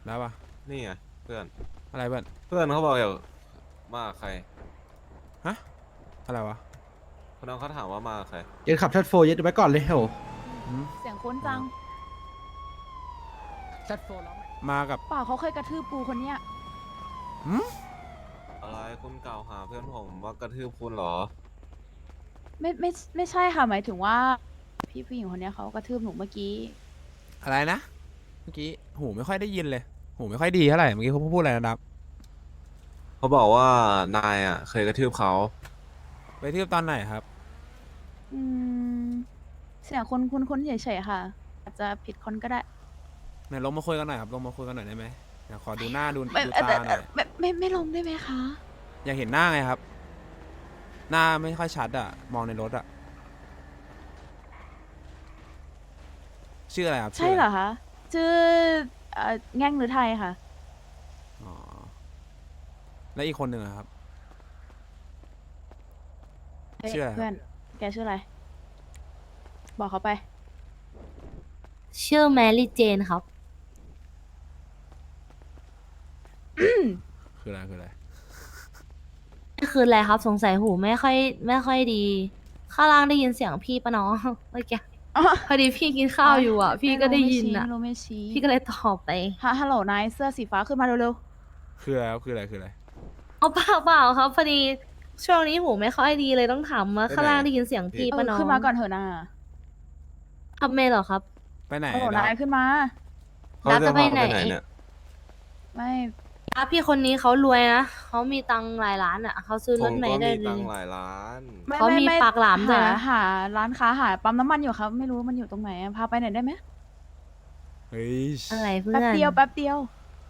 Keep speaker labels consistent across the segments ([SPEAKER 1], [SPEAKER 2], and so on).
[SPEAKER 1] แล้วปะ
[SPEAKER 2] นี่ไงเพื่อน
[SPEAKER 1] อะไรเพื่อน
[SPEAKER 2] เพื่อนเขาบอกอยากมากับใคร
[SPEAKER 1] ฮะอะไรวะ
[SPEAKER 2] คนนั้นเขาถามว่ามากับใคร
[SPEAKER 3] ยึดขับชัดโฟยึดไว้ก่อนเลยโห
[SPEAKER 1] หืม
[SPEAKER 4] เสียงคุ้นจัง
[SPEAKER 3] ชัดโฟร้องไหม
[SPEAKER 1] มากับ
[SPEAKER 4] เปล่าเขาเคยกระทืบปูคนเนี้ย
[SPEAKER 1] หืม
[SPEAKER 2] อะไรคุณกล่าวหาเพื่อนผมว่ากระทืบคุณเหรอ
[SPEAKER 4] ไม่ใช่ค่ะหมายถึงว่าพี่ผู้หญิงคนเนี้ยเขากระทืบหนูเมื่อกี้
[SPEAKER 1] อะไรนะเมื่อกี้หูไม่ค่อยได้ยินเลยหูไม่ค่อยดีเท่าไหร่เมื่อกี้เขาพูดอะไรนะครับ
[SPEAKER 2] เขาบอกว่านายอ่ะเคยกระทืบเขา
[SPEAKER 1] ไปเที่ยวตอนไหนครับ
[SPEAKER 4] อืมเสียงคุ้นเฉยๆค่ะ อาจจะผิดคนก็ได้
[SPEAKER 1] ไหนลงมาคุยกันหน่อยครับลงมาคุยกันหน่อยได้ไหมอยากขอดูหน้าดู
[SPEAKER 4] ไม่
[SPEAKER 1] ดูตาหน่อย
[SPEAKER 4] ไม่ลงได้ไหมคะ
[SPEAKER 1] อยากเห็นหน้าไงครับหน้าไม่ค่อยชัดอะมองในรถอะชื่ออะไรครับ
[SPEAKER 4] ใช่เหรอคะชื่อแง่งหรือไทยค่ะ
[SPEAKER 1] อ๋อแล้วอีกคนหนึ่งอะครับ
[SPEAKER 4] เฮ้ย
[SPEAKER 1] ชื่ออะไรค
[SPEAKER 4] เพื่อน
[SPEAKER 1] รับ
[SPEAKER 4] แกชื่ออะไร บอกเขาไป
[SPEAKER 5] ชื่อแมรี่เจนครับ
[SPEAKER 1] คืออะไรคืออะไร
[SPEAKER 5] นี่คืออะไรครับสงสัยหูไม่ค่อยดีข้างล่างได้ยินเสียงพี่ปะน้องเมื่อกี้พอดีพี่กินข้าวอยู่อ่ะพี่ก็ได้ยินอ่ะ
[SPEAKER 4] ไม่รู้ไม่ชี้
[SPEAKER 5] พี่ก็เลยตอบไป
[SPEAKER 4] ฮัลโหลนายเสื้อสีฟ้าขึ้นมาเร็ว
[SPEAKER 1] คืออะไรครับคืออะไรคืออะไร
[SPEAKER 5] เอาเปล่าครับพอดีช่วงนี้หูไม่ค่อยดีเลยต้องถามว่า
[SPEAKER 2] ไปไหน
[SPEAKER 5] ข้างล่างได้ยินเสียงพี่
[SPEAKER 4] ๆ
[SPEAKER 5] ปะน้อง
[SPEAKER 4] ขึ้นมาก่อนเถอะนา
[SPEAKER 5] ทับเมย์เหรอครับ
[SPEAKER 1] ไปไหน
[SPEAKER 4] ฮัลโหล
[SPEAKER 1] ดับ
[SPEAKER 4] นายขึ้นมา
[SPEAKER 2] เขา
[SPEAKER 5] ดับ
[SPEAKER 2] จะ
[SPEAKER 5] จะ
[SPEAKER 2] พา
[SPEAKER 5] ไป
[SPEAKER 2] เขา
[SPEAKER 5] ไหน
[SPEAKER 2] ไปไหนเนี่ย
[SPEAKER 4] ไม่
[SPEAKER 5] พี่คนนี้เขารวยนะเขามีตังค์หลายล้านอ่ะเขาซื้อ
[SPEAKER 2] ผม
[SPEAKER 5] รถเม
[SPEAKER 2] ก็มี
[SPEAKER 5] ย์ได้เล
[SPEAKER 2] ตั
[SPEAKER 5] ย
[SPEAKER 2] งค์หลายล้าน
[SPEAKER 5] เขามีปากหลามด้วยนะ
[SPEAKER 4] หาร้านค้าหาปั๊มน้ำมันอยู่ครับ ไม่รู้มันอยู่ตรงไหนอะพาไปหน่อยได้ไหม
[SPEAKER 1] เฮ้ย
[SPEAKER 5] อะไรเพื่อ
[SPEAKER 4] แป๊บ
[SPEAKER 5] น
[SPEAKER 4] เดียวแป๊บเดียว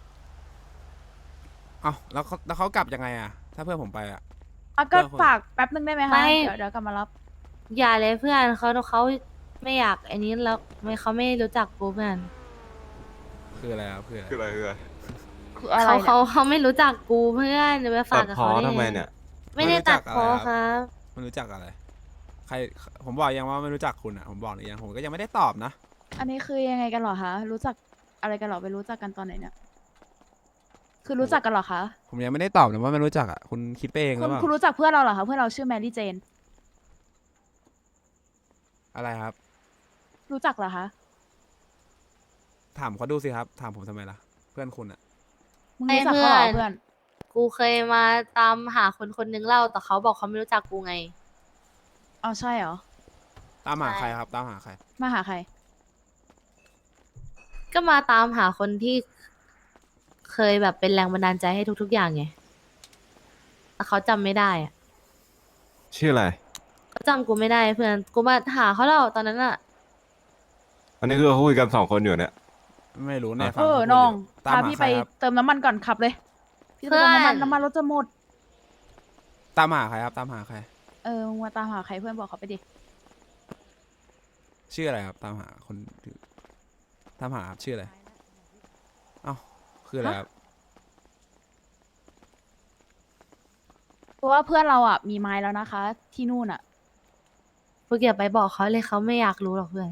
[SPEAKER 1] เอ้าแล้วเขากลับยังไงอะถ้าเพื่อนผมไปอะ
[SPEAKER 4] อ่ะก็
[SPEAKER 1] เพื่อนคน
[SPEAKER 4] ฝากแป๊บนึงได้ไหมคะ
[SPEAKER 5] ไม่
[SPEAKER 4] เดี๋ยวกลับมารับ
[SPEAKER 5] อย่าเลยเพื่อนเขาไม่อยากอันนี้แล้วไม่เขาไม่รู้จักกูเพื่อน
[SPEAKER 1] คืออะไรครับคืออะไร
[SPEAKER 2] คืออะไรคืออะไร
[SPEAKER 4] คืออะไร
[SPEAKER 5] เขาไม่รู้จักกูเพื่อนจะไปฝา
[SPEAKER 2] ตั
[SPEAKER 5] ก
[SPEAKER 2] ด
[SPEAKER 5] กับ
[SPEAKER 2] พ้อ
[SPEAKER 5] เขาได้
[SPEAKER 2] ทำไม
[SPEAKER 5] ไง
[SPEAKER 2] เนี่ย
[SPEAKER 5] ไม่ได้ตัดคอครับ
[SPEAKER 1] มันรู้จักอะไรใครผมบอกยังว่าไม่รู้จักคุณอะผมบอกหรือยังผมก็ยังไม่ได้ตอบนะ
[SPEAKER 4] อันนี้คือยังไงกันเหรอคะ รู้จักอะไรกันเหรอไปรู้จักกันตอนไหนเนี่ย คือรู้จักกันเหรอคะ
[SPEAKER 1] ผมยังไม่ได้ตอบนะว่าไม่รู้จักอะคุณคิดไปเองห
[SPEAKER 4] คุ
[SPEAKER 1] รือ
[SPEAKER 4] ณ
[SPEAKER 1] เปล่า
[SPEAKER 4] คุณรู้จักเพื่อนเราเหรอคะ เพื่อนเราชื่อแมรี่เจน
[SPEAKER 1] อะไรครับ
[SPEAKER 4] รู้จักเหรอคะ
[SPEAKER 1] ถามเขาดูสิครับถามผมทำไมล่ะเพื่อนคุณอะ
[SPEAKER 4] มึงรู้จักเขาเหรอเพื่อน
[SPEAKER 5] กูเคยมาตามหาคนคนนึงเล่าแต่เขาบอกเขาไม่รู้จักกูไง
[SPEAKER 4] อ๋อใช่เหรอ
[SPEAKER 1] ตามหา
[SPEAKER 5] ใช่
[SPEAKER 1] ใครครับตามหาใคร
[SPEAKER 4] มาหาใคร
[SPEAKER 5] ก็มาตามหาคนที่เคยแบบเป็นแรงบันดาลใจให้ทุกๆอย่างไงแต่เขาจำไม่ได้อะ
[SPEAKER 2] ชื่ออะไร
[SPEAKER 5] เขาจำกูไม่ได้เพื่อนกูมาหาเขาแล้วตอนนั้นอะ
[SPEAKER 2] อันนี้คือเขาคุยกันสองคนอยู่เนี่ย
[SPEAKER 1] ไม่รู้ในฟั
[SPEAKER 4] เอง อ
[SPEAKER 1] เขาพูด
[SPEAKER 4] น้อง
[SPEAKER 1] ยู่ตาม
[SPEAKER 4] พา
[SPEAKER 1] หา
[SPEAKER 4] พี่
[SPEAKER 1] ใค
[SPEAKER 4] ไป
[SPEAKER 1] รครับ
[SPEAKER 4] เติมน้ำมันก่อนขับเลย พี่จะไปเติมน้ำมันรถจะหมด
[SPEAKER 1] ตามหาใครครับตามหาใคร
[SPEAKER 4] เออมึงมาตามหาใครเพื่อนบอกเขาไปดิ
[SPEAKER 1] ชื่ออะไรครับตามหาคนตามหาครับชื่ออะไรเอ้าคืออะไรครับ
[SPEAKER 4] เพราะว่าเพื่อนเราอ่ะมีไม้แล้วนะคะ ที่นู่นอ่ะ
[SPEAKER 5] พวกอย่าไปบอกเขาเลยเขาไม่อยากรู้หรอกเพื่อน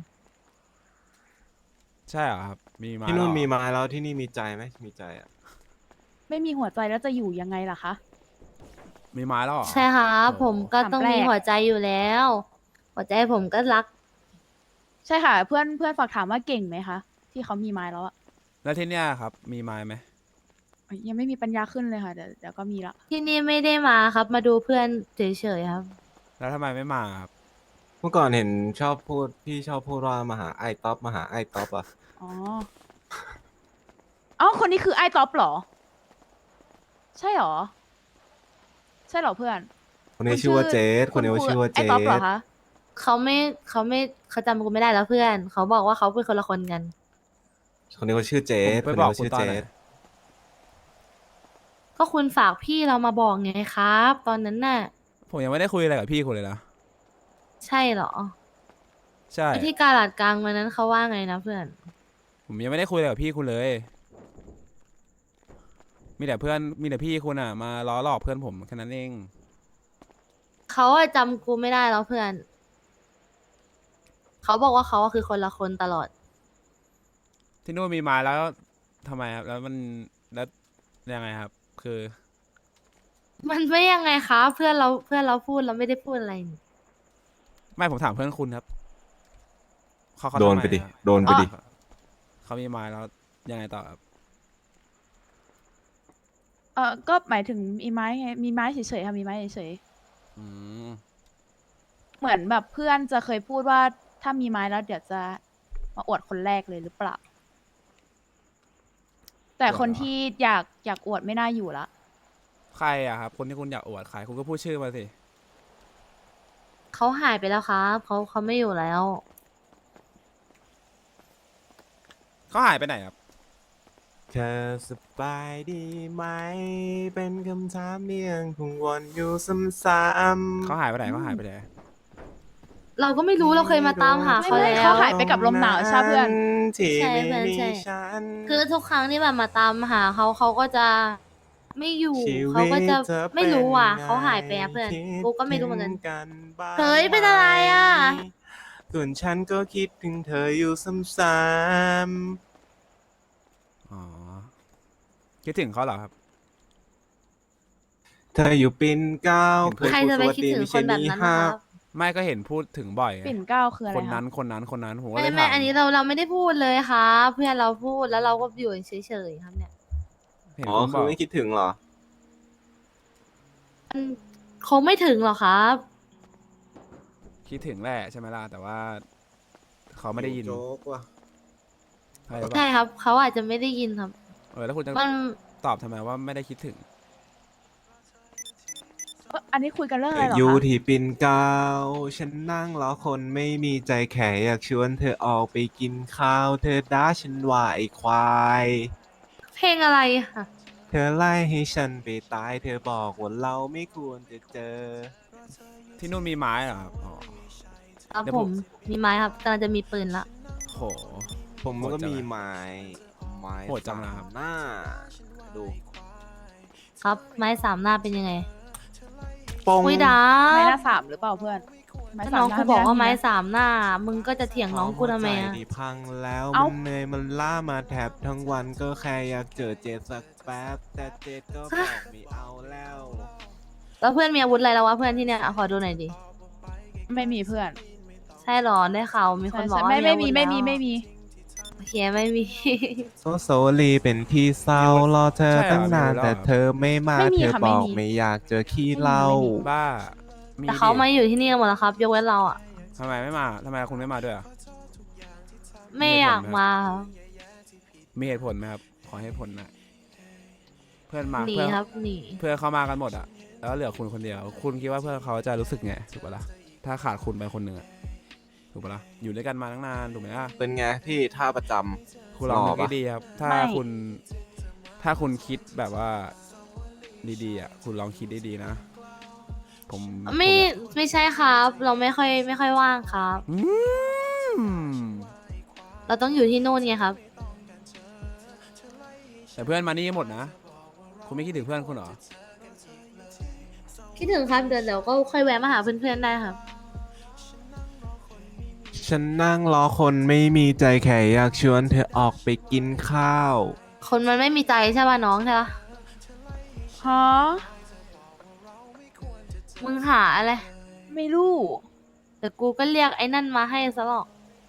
[SPEAKER 1] ใช่เหรอครับมีมา
[SPEAKER 2] ที่นู่น
[SPEAKER 1] แล้วเหรอ
[SPEAKER 2] มีไม้แล้วที่นี่มีใจไหมมีใจอ่ะ
[SPEAKER 4] ไม่มีหัวใจแล้วจะอยู่ยังไงล่ะคะ
[SPEAKER 1] มีไม้แล้วเหรอ
[SPEAKER 5] ใช่ครับ
[SPEAKER 1] โอ้โห
[SPEAKER 5] ผมก็ต้องมี
[SPEAKER 4] ถามแปลก
[SPEAKER 5] หัวใจอยู่แล้ว หัวใจผมก็รัก
[SPEAKER 4] ใช่ค่ะ เพื่อนเพื่อนฝากถามว่าเก่งไหมคะ ที่เขามีไม้แล้วอ่ะ
[SPEAKER 1] แล้วที่เนี้ยครับมีไม้ไหม
[SPEAKER 4] ยังไม่มีปัญญาขึ้นเลยค่ะเดี๋ยวก็มีละ
[SPEAKER 5] ที่นี่ไม่ได้มาครับ มาดูเพื่อนเฉยๆครับ
[SPEAKER 1] แล้วทำไมไม่มาครับ
[SPEAKER 2] เมื่อก่อนเห็นชอบพูดพี่ชอบพูดว่ามาหาไอ้ท็อปมาหาไอ้ท็อปอ่ะ
[SPEAKER 4] อ๋ออ๋อคนนี้คือไอ้ท็อปเหรอ ใช่เหรอ ใช่เหรอเพื่อน
[SPEAKER 2] คนนี้ชื่อว่าเจสคนนี้ชื่อว่าเจ
[SPEAKER 4] ไอ้ท็อปเหรอ
[SPEAKER 2] ส
[SPEAKER 4] คะ
[SPEAKER 5] เขาจำกูไม่ได้แล้วเพื่อน เขาบอกว่าเขาเป็นคนละคนกัน
[SPEAKER 2] คนนี้เขาชื่อเจส
[SPEAKER 1] ผม
[SPEAKER 2] คน
[SPEAKER 1] ไปบ
[SPEAKER 2] นี้
[SPEAKER 1] อก
[SPEAKER 2] เขา
[SPEAKER 1] คุณ
[SPEAKER 2] ชื่อ
[SPEAKER 1] ตอ
[SPEAKER 2] เจ
[SPEAKER 1] นไหน
[SPEAKER 2] ส
[SPEAKER 5] ก็คุณฝากพี่เรามาบอกไงครับ ตอนนั้นน่ะ
[SPEAKER 1] ผมยังไม่ได้คุยอะไรกับพี่คุณเลยนะ
[SPEAKER 5] ใช่เหรอ
[SPEAKER 1] ใช่
[SPEAKER 5] ไอที่กาลาดกลางวันนั้นเขาว่าไงนะเพื่อน
[SPEAKER 1] ผมยังไม่ได้คุยอะไรกับพี่คุณเลย มีแต่พี่คุณอะมาล้อหลอกเพื่อนผมแค่นั้นเอง
[SPEAKER 5] เขาอะจำกูไม่ได้แล้วเพื่อน เขาบอกว่าเขาอะคือคนละคนตลอด
[SPEAKER 1] ที่นู่นมีไม้แล้วทำไมครับแล้วมันแล้วยังไงครับ คือ
[SPEAKER 5] มันไม่ยังไงคะเพื่อนเราพูดเราไม่ได้พูดอะไรนี่
[SPEAKER 1] ไม่ผมถามเพื่อนคุณครับเขา
[SPEAKER 2] โดน
[SPEAKER 1] ทำม
[SPEAKER 2] ไปดิ
[SPEAKER 1] อะ
[SPEAKER 2] โดนไปดิ
[SPEAKER 1] เขามีไม้แล้วยังไงต่อครับ
[SPEAKER 4] ก็หมายถึงมีไม้ไงมีไม้เฉยๆค่ะมีไม้เฉย
[SPEAKER 1] อืม
[SPEAKER 4] ๆเหมือนแบบเพื่อนจะเคยพูดว่าถ้ามีไม้แล้วเดี๋ยวจะมาอวดคนแรกเลยหรือเปล่า แต่คนที่อยากอวดไม่น่าอยู่ละ
[SPEAKER 1] ใครอะครับคนที่คุณอยากอวดใครคุณก็พูดชื่อมาสิ
[SPEAKER 5] เขาหายไปแล้วครับเขาไม่อยู่แล้ว
[SPEAKER 1] เขาหายไปไหนครับ
[SPEAKER 2] เธอสบายดีไหม เป็นคำถามเมียงคงวนอยู่ซ้ำ
[SPEAKER 1] เขาหายไปไหนเขาหายไปไหน
[SPEAKER 5] เราก็ไม่รู้เราเคยมาตามหาเขา
[SPEAKER 4] ไม่
[SPEAKER 5] แล้ว
[SPEAKER 4] เขาหายไปกับลมหนาวใช่เพื่อน
[SPEAKER 2] ที่
[SPEAKER 5] ใช่
[SPEAKER 2] ไม่
[SPEAKER 5] เพื่อน
[SPEAKER 2] มี
[SPEAKER 5] ใช่
[SPEAKER 2] ฉัน
[SPEAKER 5] คือทุกครั้งที่แบบมาตามหาเขาก็จะไม่อยู่
[SPEAKER 2] ชีวิต
[SPEAKER 5] เขาก็จะ
[SPEAKER 2] ธอ
[SPEAKER 5] ไม่รู้อ่ะ
[SPEAKER 2] ป็นไง
[SPEAKER 5] เขาหายไปอะเพื่อน
[SPEAKER 2] คิด
[SPEAKER 5] กูก็ไม่รู้เหมือนกัน
[SPEAKER 2] ถึงบ้าง
[SPEAKER 5] เฮ้ยเป็นอะไรอะ
[SPEAKER 2] ไหมส่วนฉันก็คิดถึงเธออยู่ซ้ำ
[SPEAKER 1] อ๋อคิดถึงเขาเหรอครับ
[SPEAKER 2] ๆเธออยู่ปิ่นเกล้า
[SPEAKER 5] ใครจะไปคิดถึงคนแบบนั้นนะครับ
[SPEAKER 1] ไม่ก็เห็นพูดถึงบ่อยไง
[SPEAKER 4] ปิ่นเกล้าคืออะไร
[SPEAKER 1] คน
[SPEAKER 4] คะ
[SPEAKER 1] นั้นคนนั้นคนนั้นผมก็เล
[SPEAKER 5] ไม่
[SPEAKER 1] ย
[SPEAKER 5] ไม่
[SPEAKER 1] ถาม
[SPEAKER 5] อันนี้เราไม่ได้พูดเลยครับเพื่อนเราพูดแล้วเราก็อยู่เฉยๆครับเนี่ย
[SPEAKER 1] เห็น
[SPEAKER 2] อ๋อ
[SPEAKER 1] คุณบ
[SPEAKER 2] คือ อก ไม่คิดถึงเหรอ
[SPEAKER 5] มันคงไม่ถึงหรอกครับ
[SPEAKER 1] คิดถึงแหละใช่ไหมล่ะแต่ว่าเขาไม่ได้ยิน
[SPEAKER 2] โจ๊กว่ะ
[SPEAKER 1] ใช่หรือเป
[SPEAKER 5] ใช่
[SPEAKER 1] ล่า
[SPEAKER 5] ครับเขาอาจจะไม่ได้ยินครับ
[SPEAKER 1] แล้วคุณจะ
[SPEAKER 5] มัน
[SPEAKER 1] ตอบทำไมว่าไม่ได้คิดถึง
[SPEAKER 4] อันนี้คุยกันเรื่องอะไรเหรอ
[SPEAKER 2] อยู่
[SPEAKER 4] คะ
[SPEAKER 2] ที่ปิ่นเกล้าฉันนั่งรอคนไม่มีใจแข็อยากชวนเธอออกไปกินข้าว เธอด่าฉันว่าไอ้ควาย
[SPEAKER 5] เพลงอะไรค่ะ
[SPEAKER 2] เธอไล่ให้ฉันไปตาย เธอบอกว่าเราไม่ควรจะเจอ
[SPEAKER 1] ที่นู่นมีไม้เหรอครับอ๋อ
[SPEAKER 5] ครับ
[SPEAKER 1] เดี๋ยว
[SPEAKER 5] ผ
[SPEAKER 1] ผม
[SPEAKER 5] มมีไม้ครับกำลังจะมีปืนละ
[SPEAKER 1] โห
[SPEAKER 2] ผม
[SPEAKER 1] โหด
[SPEAKER 2] ก็
[SPEAKER 1] จัง
[SPEAKER 2] มี
[SPEAKER 1] อะ
[SPEAKER 2] ไม้ไม้
[SPEAKER 1] โหดจังนะครับ
[SPEAKER 2] หน้า ดู
[SPEAKER 5] ครับ ไม้สามหน้าเป็นยังไง
[SPEAKER 2] ปง
[SPEAKER 5] คุยดา
[SPEAKER 4] ไม้ห
[SPEAKER 5] บ
[SPEAKER 4] น้าสามหรือเปล่าเพื่อนไม้
[SPEAKER 5] ถ้า
[SPEAKER 4] สา
[SPEAKER 5] น้
[SPEAKER 4] ม
[SPEAKER 5] อง
[SPEAKER 4] หน้
[SPEAKER 5] กูบอกว่าไม้
[SPEAKER 4] ด้นะ
[SPEAKER 5] สามหน้า มึงก็จะเถียงน้องกูทำไม
[SPEAKER 2] หัว
[SPEAKER 5] อะ
[SPEAKER 2] ใจที่พังแล้ว
[SPEAKER 4] เอ้า
[SPEAKER 2] มันเหนื่อยมันล้ามาแทบทั้งวันก็แค่อยากเจอเจดสักแป๊บ แต่เจดก็บอกไม่เอาแล้ว
[SPEAKER 5] แล้วเพื่อนมีอาวุธอะไรแล้ววะเพื่อนที่เนี่ยขอดูหน่อยดิ
[SPEAKER 4] ไม่มีเพื่อน
[SPEAKER 5] ใช่หรอได้ข่าวมีคนบอกว่า
[SPEAKER 4] ไม่
[SPEAKER 5] อาวุธ
[SPEAKER 4] ไม่
[SPEAKER 5] แล้ว
[SPEAKER 4] มี
[SPEAKER 5] โอเคไม่มี
[SPEAKER 2] โซโซลีเป็นที่เศร้ารอเธอ
[SPEAKER 1] ใช่เหรอ
[SPEAKER 2] ตั้งนาน
[SPEAKER 1] มีแล้ว
[SPEAKER 2] แต่
[SPEAKER 1] เหรอ
[SPEAKER 2] เธอไม่มา
[SPEAKER 4] ไม่มี
[SPEAKER 2] เธอ
[SPEAKER 4] ค่ะ
[SPEAKER 2] บอก
[SPEAKER 4] ไม่มี
[SPEAKER 2] ไม่อยากเจอขี้เหล้า
[SPEAKER 1] บ้ามี
[SPEAKER 5] แต่เขา
[SPEAKER 1] ดิ
[SPEAKER 5] มาอยู่ที่นี่กันหมดแล้วครับยกเว้นเราอ่ะ
[SPEAKER 1] ทำไมไม่มาทำไมคุณไม่มาด้วยอะ
[SPEAKER 5] ไม่อยากมาครับ
[SPEAKER 1] มีเหตุผลไหมครับขอให้ผลหนะเพื่อนมา
[SPEAKER 5] หนี
[SPEAKER 1] เพื่อน
[SPEAKER 5] ครับหนี
[SPEAKER 1] เพื่อนเขามากันหมดอะแล้วเหลือคุณคนเดียว คุณคิดว่าเพื่อนเขาจะรู้สึกไงถูกปะล่ะถ้าขาดคุณไปคนหนึ่งอะถูกปะล่ะอยู่ด้วยกันมาตั้งนานถูกไหมล่ะ
[SPEAKER 2] เป็นไงพี่ท่าประจำ
[SPEAKER 1] คุณลองนึก
[SPEAKER 2] หล่อปะ
[SPEAKER 1] ดีๆครับ ถ้า
[SPEAKER 4] ไม่
[SPEAKER 1] คุณ ถ้าคุณคิดแบบว่าดีๆอ่ะ คุณลองคิดดีๆนะ ผม
[SPEAKER 5] ไม่ใช่ครับ เราไม่ค่อยว่างครับ
[SPEAKER 1] อืม
[SPEAKER 5] เราต้องอยู่ที่นู่นไงครับ
[SPEAKER 1] แต่เพื่อนมานี่หมดนะ คุณไม่คิดถึงเพื่อนคุณเหรอ
[SPEAKER 5] คิดถึงครับเดี๋ยวก็ค่อยแวะมาหาเพื่อนๆได้ครับ
[SPEAKER 2] ฉันนั่งรอคนไม่มีใจแค่อยากชวนเธอออกไปกินข้าว
[SPEAKER 5] คนมันไม่มีใจใช่ป่ะน้องใช่ปะ
[SPEAKER 4] ฮะ
[SPEAKER 5] มึงหาอะไร
[SPEAKER 4] ไม่รู้
[SPEAKER 5] เดี๋ยวกูก็เรียกไอ้นั่นมาให้ซะหรอก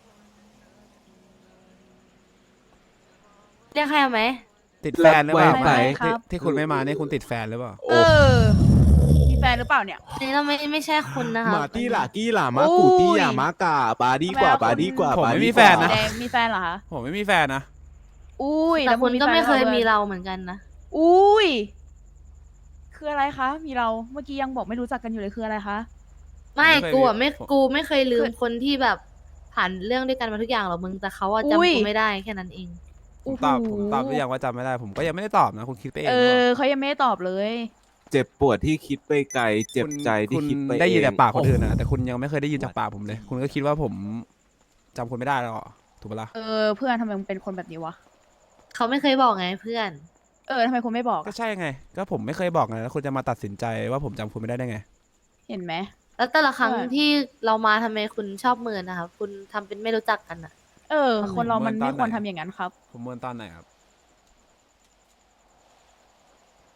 [SPEAKER 5] เรียกใครเอาไหม
[SPEAKER 1] ติดแฟนหรือเปล่า
[SPEAKER 2] ไว้
[SPEAKER 1] ไม่
[SPEAKER 4] ครับ
[SPEAKER 1] ที่คุณไม่มานี่คุณติดแฟนหรือเปล่า
[SPEAKER 4] เออ มีแฟนหรือเปล่าเนี่ย
[SPEAKER 5] อันนี้เราไม่ใช่คุณนะครับ
[SPEAKER 2] มาตี้ล่ะกี้ล่ะมากูตี้อย่ามากาบาดีกว่า
[SPEAKER 4] ทำไมอะ
[SPEAKER 2] บาดีกว่า
[SPEAKER 1] ผม
[SPEAKER 2] บา
[SPEAKER 1] ไม่
[SPEAKER 2] ดี
[SPEAKER 1] มี
[SPEAKER 2] ก
[SPEAKER 1] แฟ
[SPEAKER 2] ว่าน
[SPEAKER 1] นะ
[SPEAKER 4] แดงมีแฟนเหรอคะ
[SPEAKER 1] ผมไม่มีแฟนนะ
[SPEAKER 4] อุ้ย
[SPEAKER 5] แต่คุณก็ไม่เคย
[SPEAKER 4] แฟน
[SPEAKER 5] มีเราเหมือนกันนะ
[SPEAKER 4] อุ้ย คืออะไรคะ มีเรา เมื่อกี้ยังบอกไม่รู้จักกันอยู่เลยคืออะไรคะ
[SPEAKER 5] ไม่
[SPEAKER 1] ผมไม่เคย
[SPEAKER 5] กูอ่ะ
[SPEAKER 1] มี
[SPEAKER 5] กูไม่เคยลืม
[SPEAKER 4] คือ
[SPEAKER 5] คนที่แบบผ่านเรื่องด้วยกันมาทุกอย่างหรอกมึงแต่เขาอะ
[SPEAKER 4] อุ้ย
[SPEAKER 5] จำกูไม่ได้แค่นั้นเอง
[SPEAKER 1] ผมตอบหรือยังว่าจำไม่ได้ ผมก็ยังไม่ได้ตอบนะ คุณคิดไปเอง
[SPEAKER 4] เอ
[SPEAKER 1] หรือเป
[SPEAKER 4] อ
[SPEAKER 1] ล่า
[SPEAKER 4] เขายังไม่ได้ตอบเลย
[SPEAKER 2] เจ็บปวดที่คิดไปไกล เจ็บใจที่
[SPEAKER 1] คุณ
[SPEAKER 2] คิดไป
[SPEAKER 1] ได้ยิน
[SPEAKER 2] เอง
[SPEAKER 1] แต่ปากคนอื่น
[SPEAKER 2] โ
[SPEAKER 1] นะแต่คุณยังไม่เคยได้ยินจากปากผมเลย คุณก็คิดว่าผมจำคุณไม่ได้แล้วเหรอถูกปะล่ะ
[SPEAKER 4] เออ เพื่อนทำไมมึงเป็นคนแบบนี้วะ
[SPEAKER 5] เขาไม่เคยบอกไงเพื่อน
[SPEAKER 4] เออทำไมคุณไม่บอก
[SPEAKER 1] ก็
[SPEAKER 4] อะ
[SPEAKER 1] ใช่ไง ก็ผมไม่เคยบอกไงแล้วคุณจะมาตัดสินใจว่าผมจำคุณไม่ได้ได้ไง
[SPEAKER 4] เห็นไหม
[SPEAKER 5] แล้วแต่ละครั้ง
[SPEAKER 4] ใช่
[SPEAKER 5] ที่เรามาทำไมคุณชอบเมินนะครับคุณทำเป็นไม่รู้จักกันอะ
[SPEAKER 4] เออ คนเรามัน
[SPEAKER 1] เหมื
[SPEAKER 4] ไม่
[SPEAKER 1] อนตอน
[SPEAKER 4] ควร
[SPEAKER 1] ไหน
[SPEAKER 4] ทำอย่างนั้นครับ
[SPEAKER 1] ผมเมินตอนไหนครับ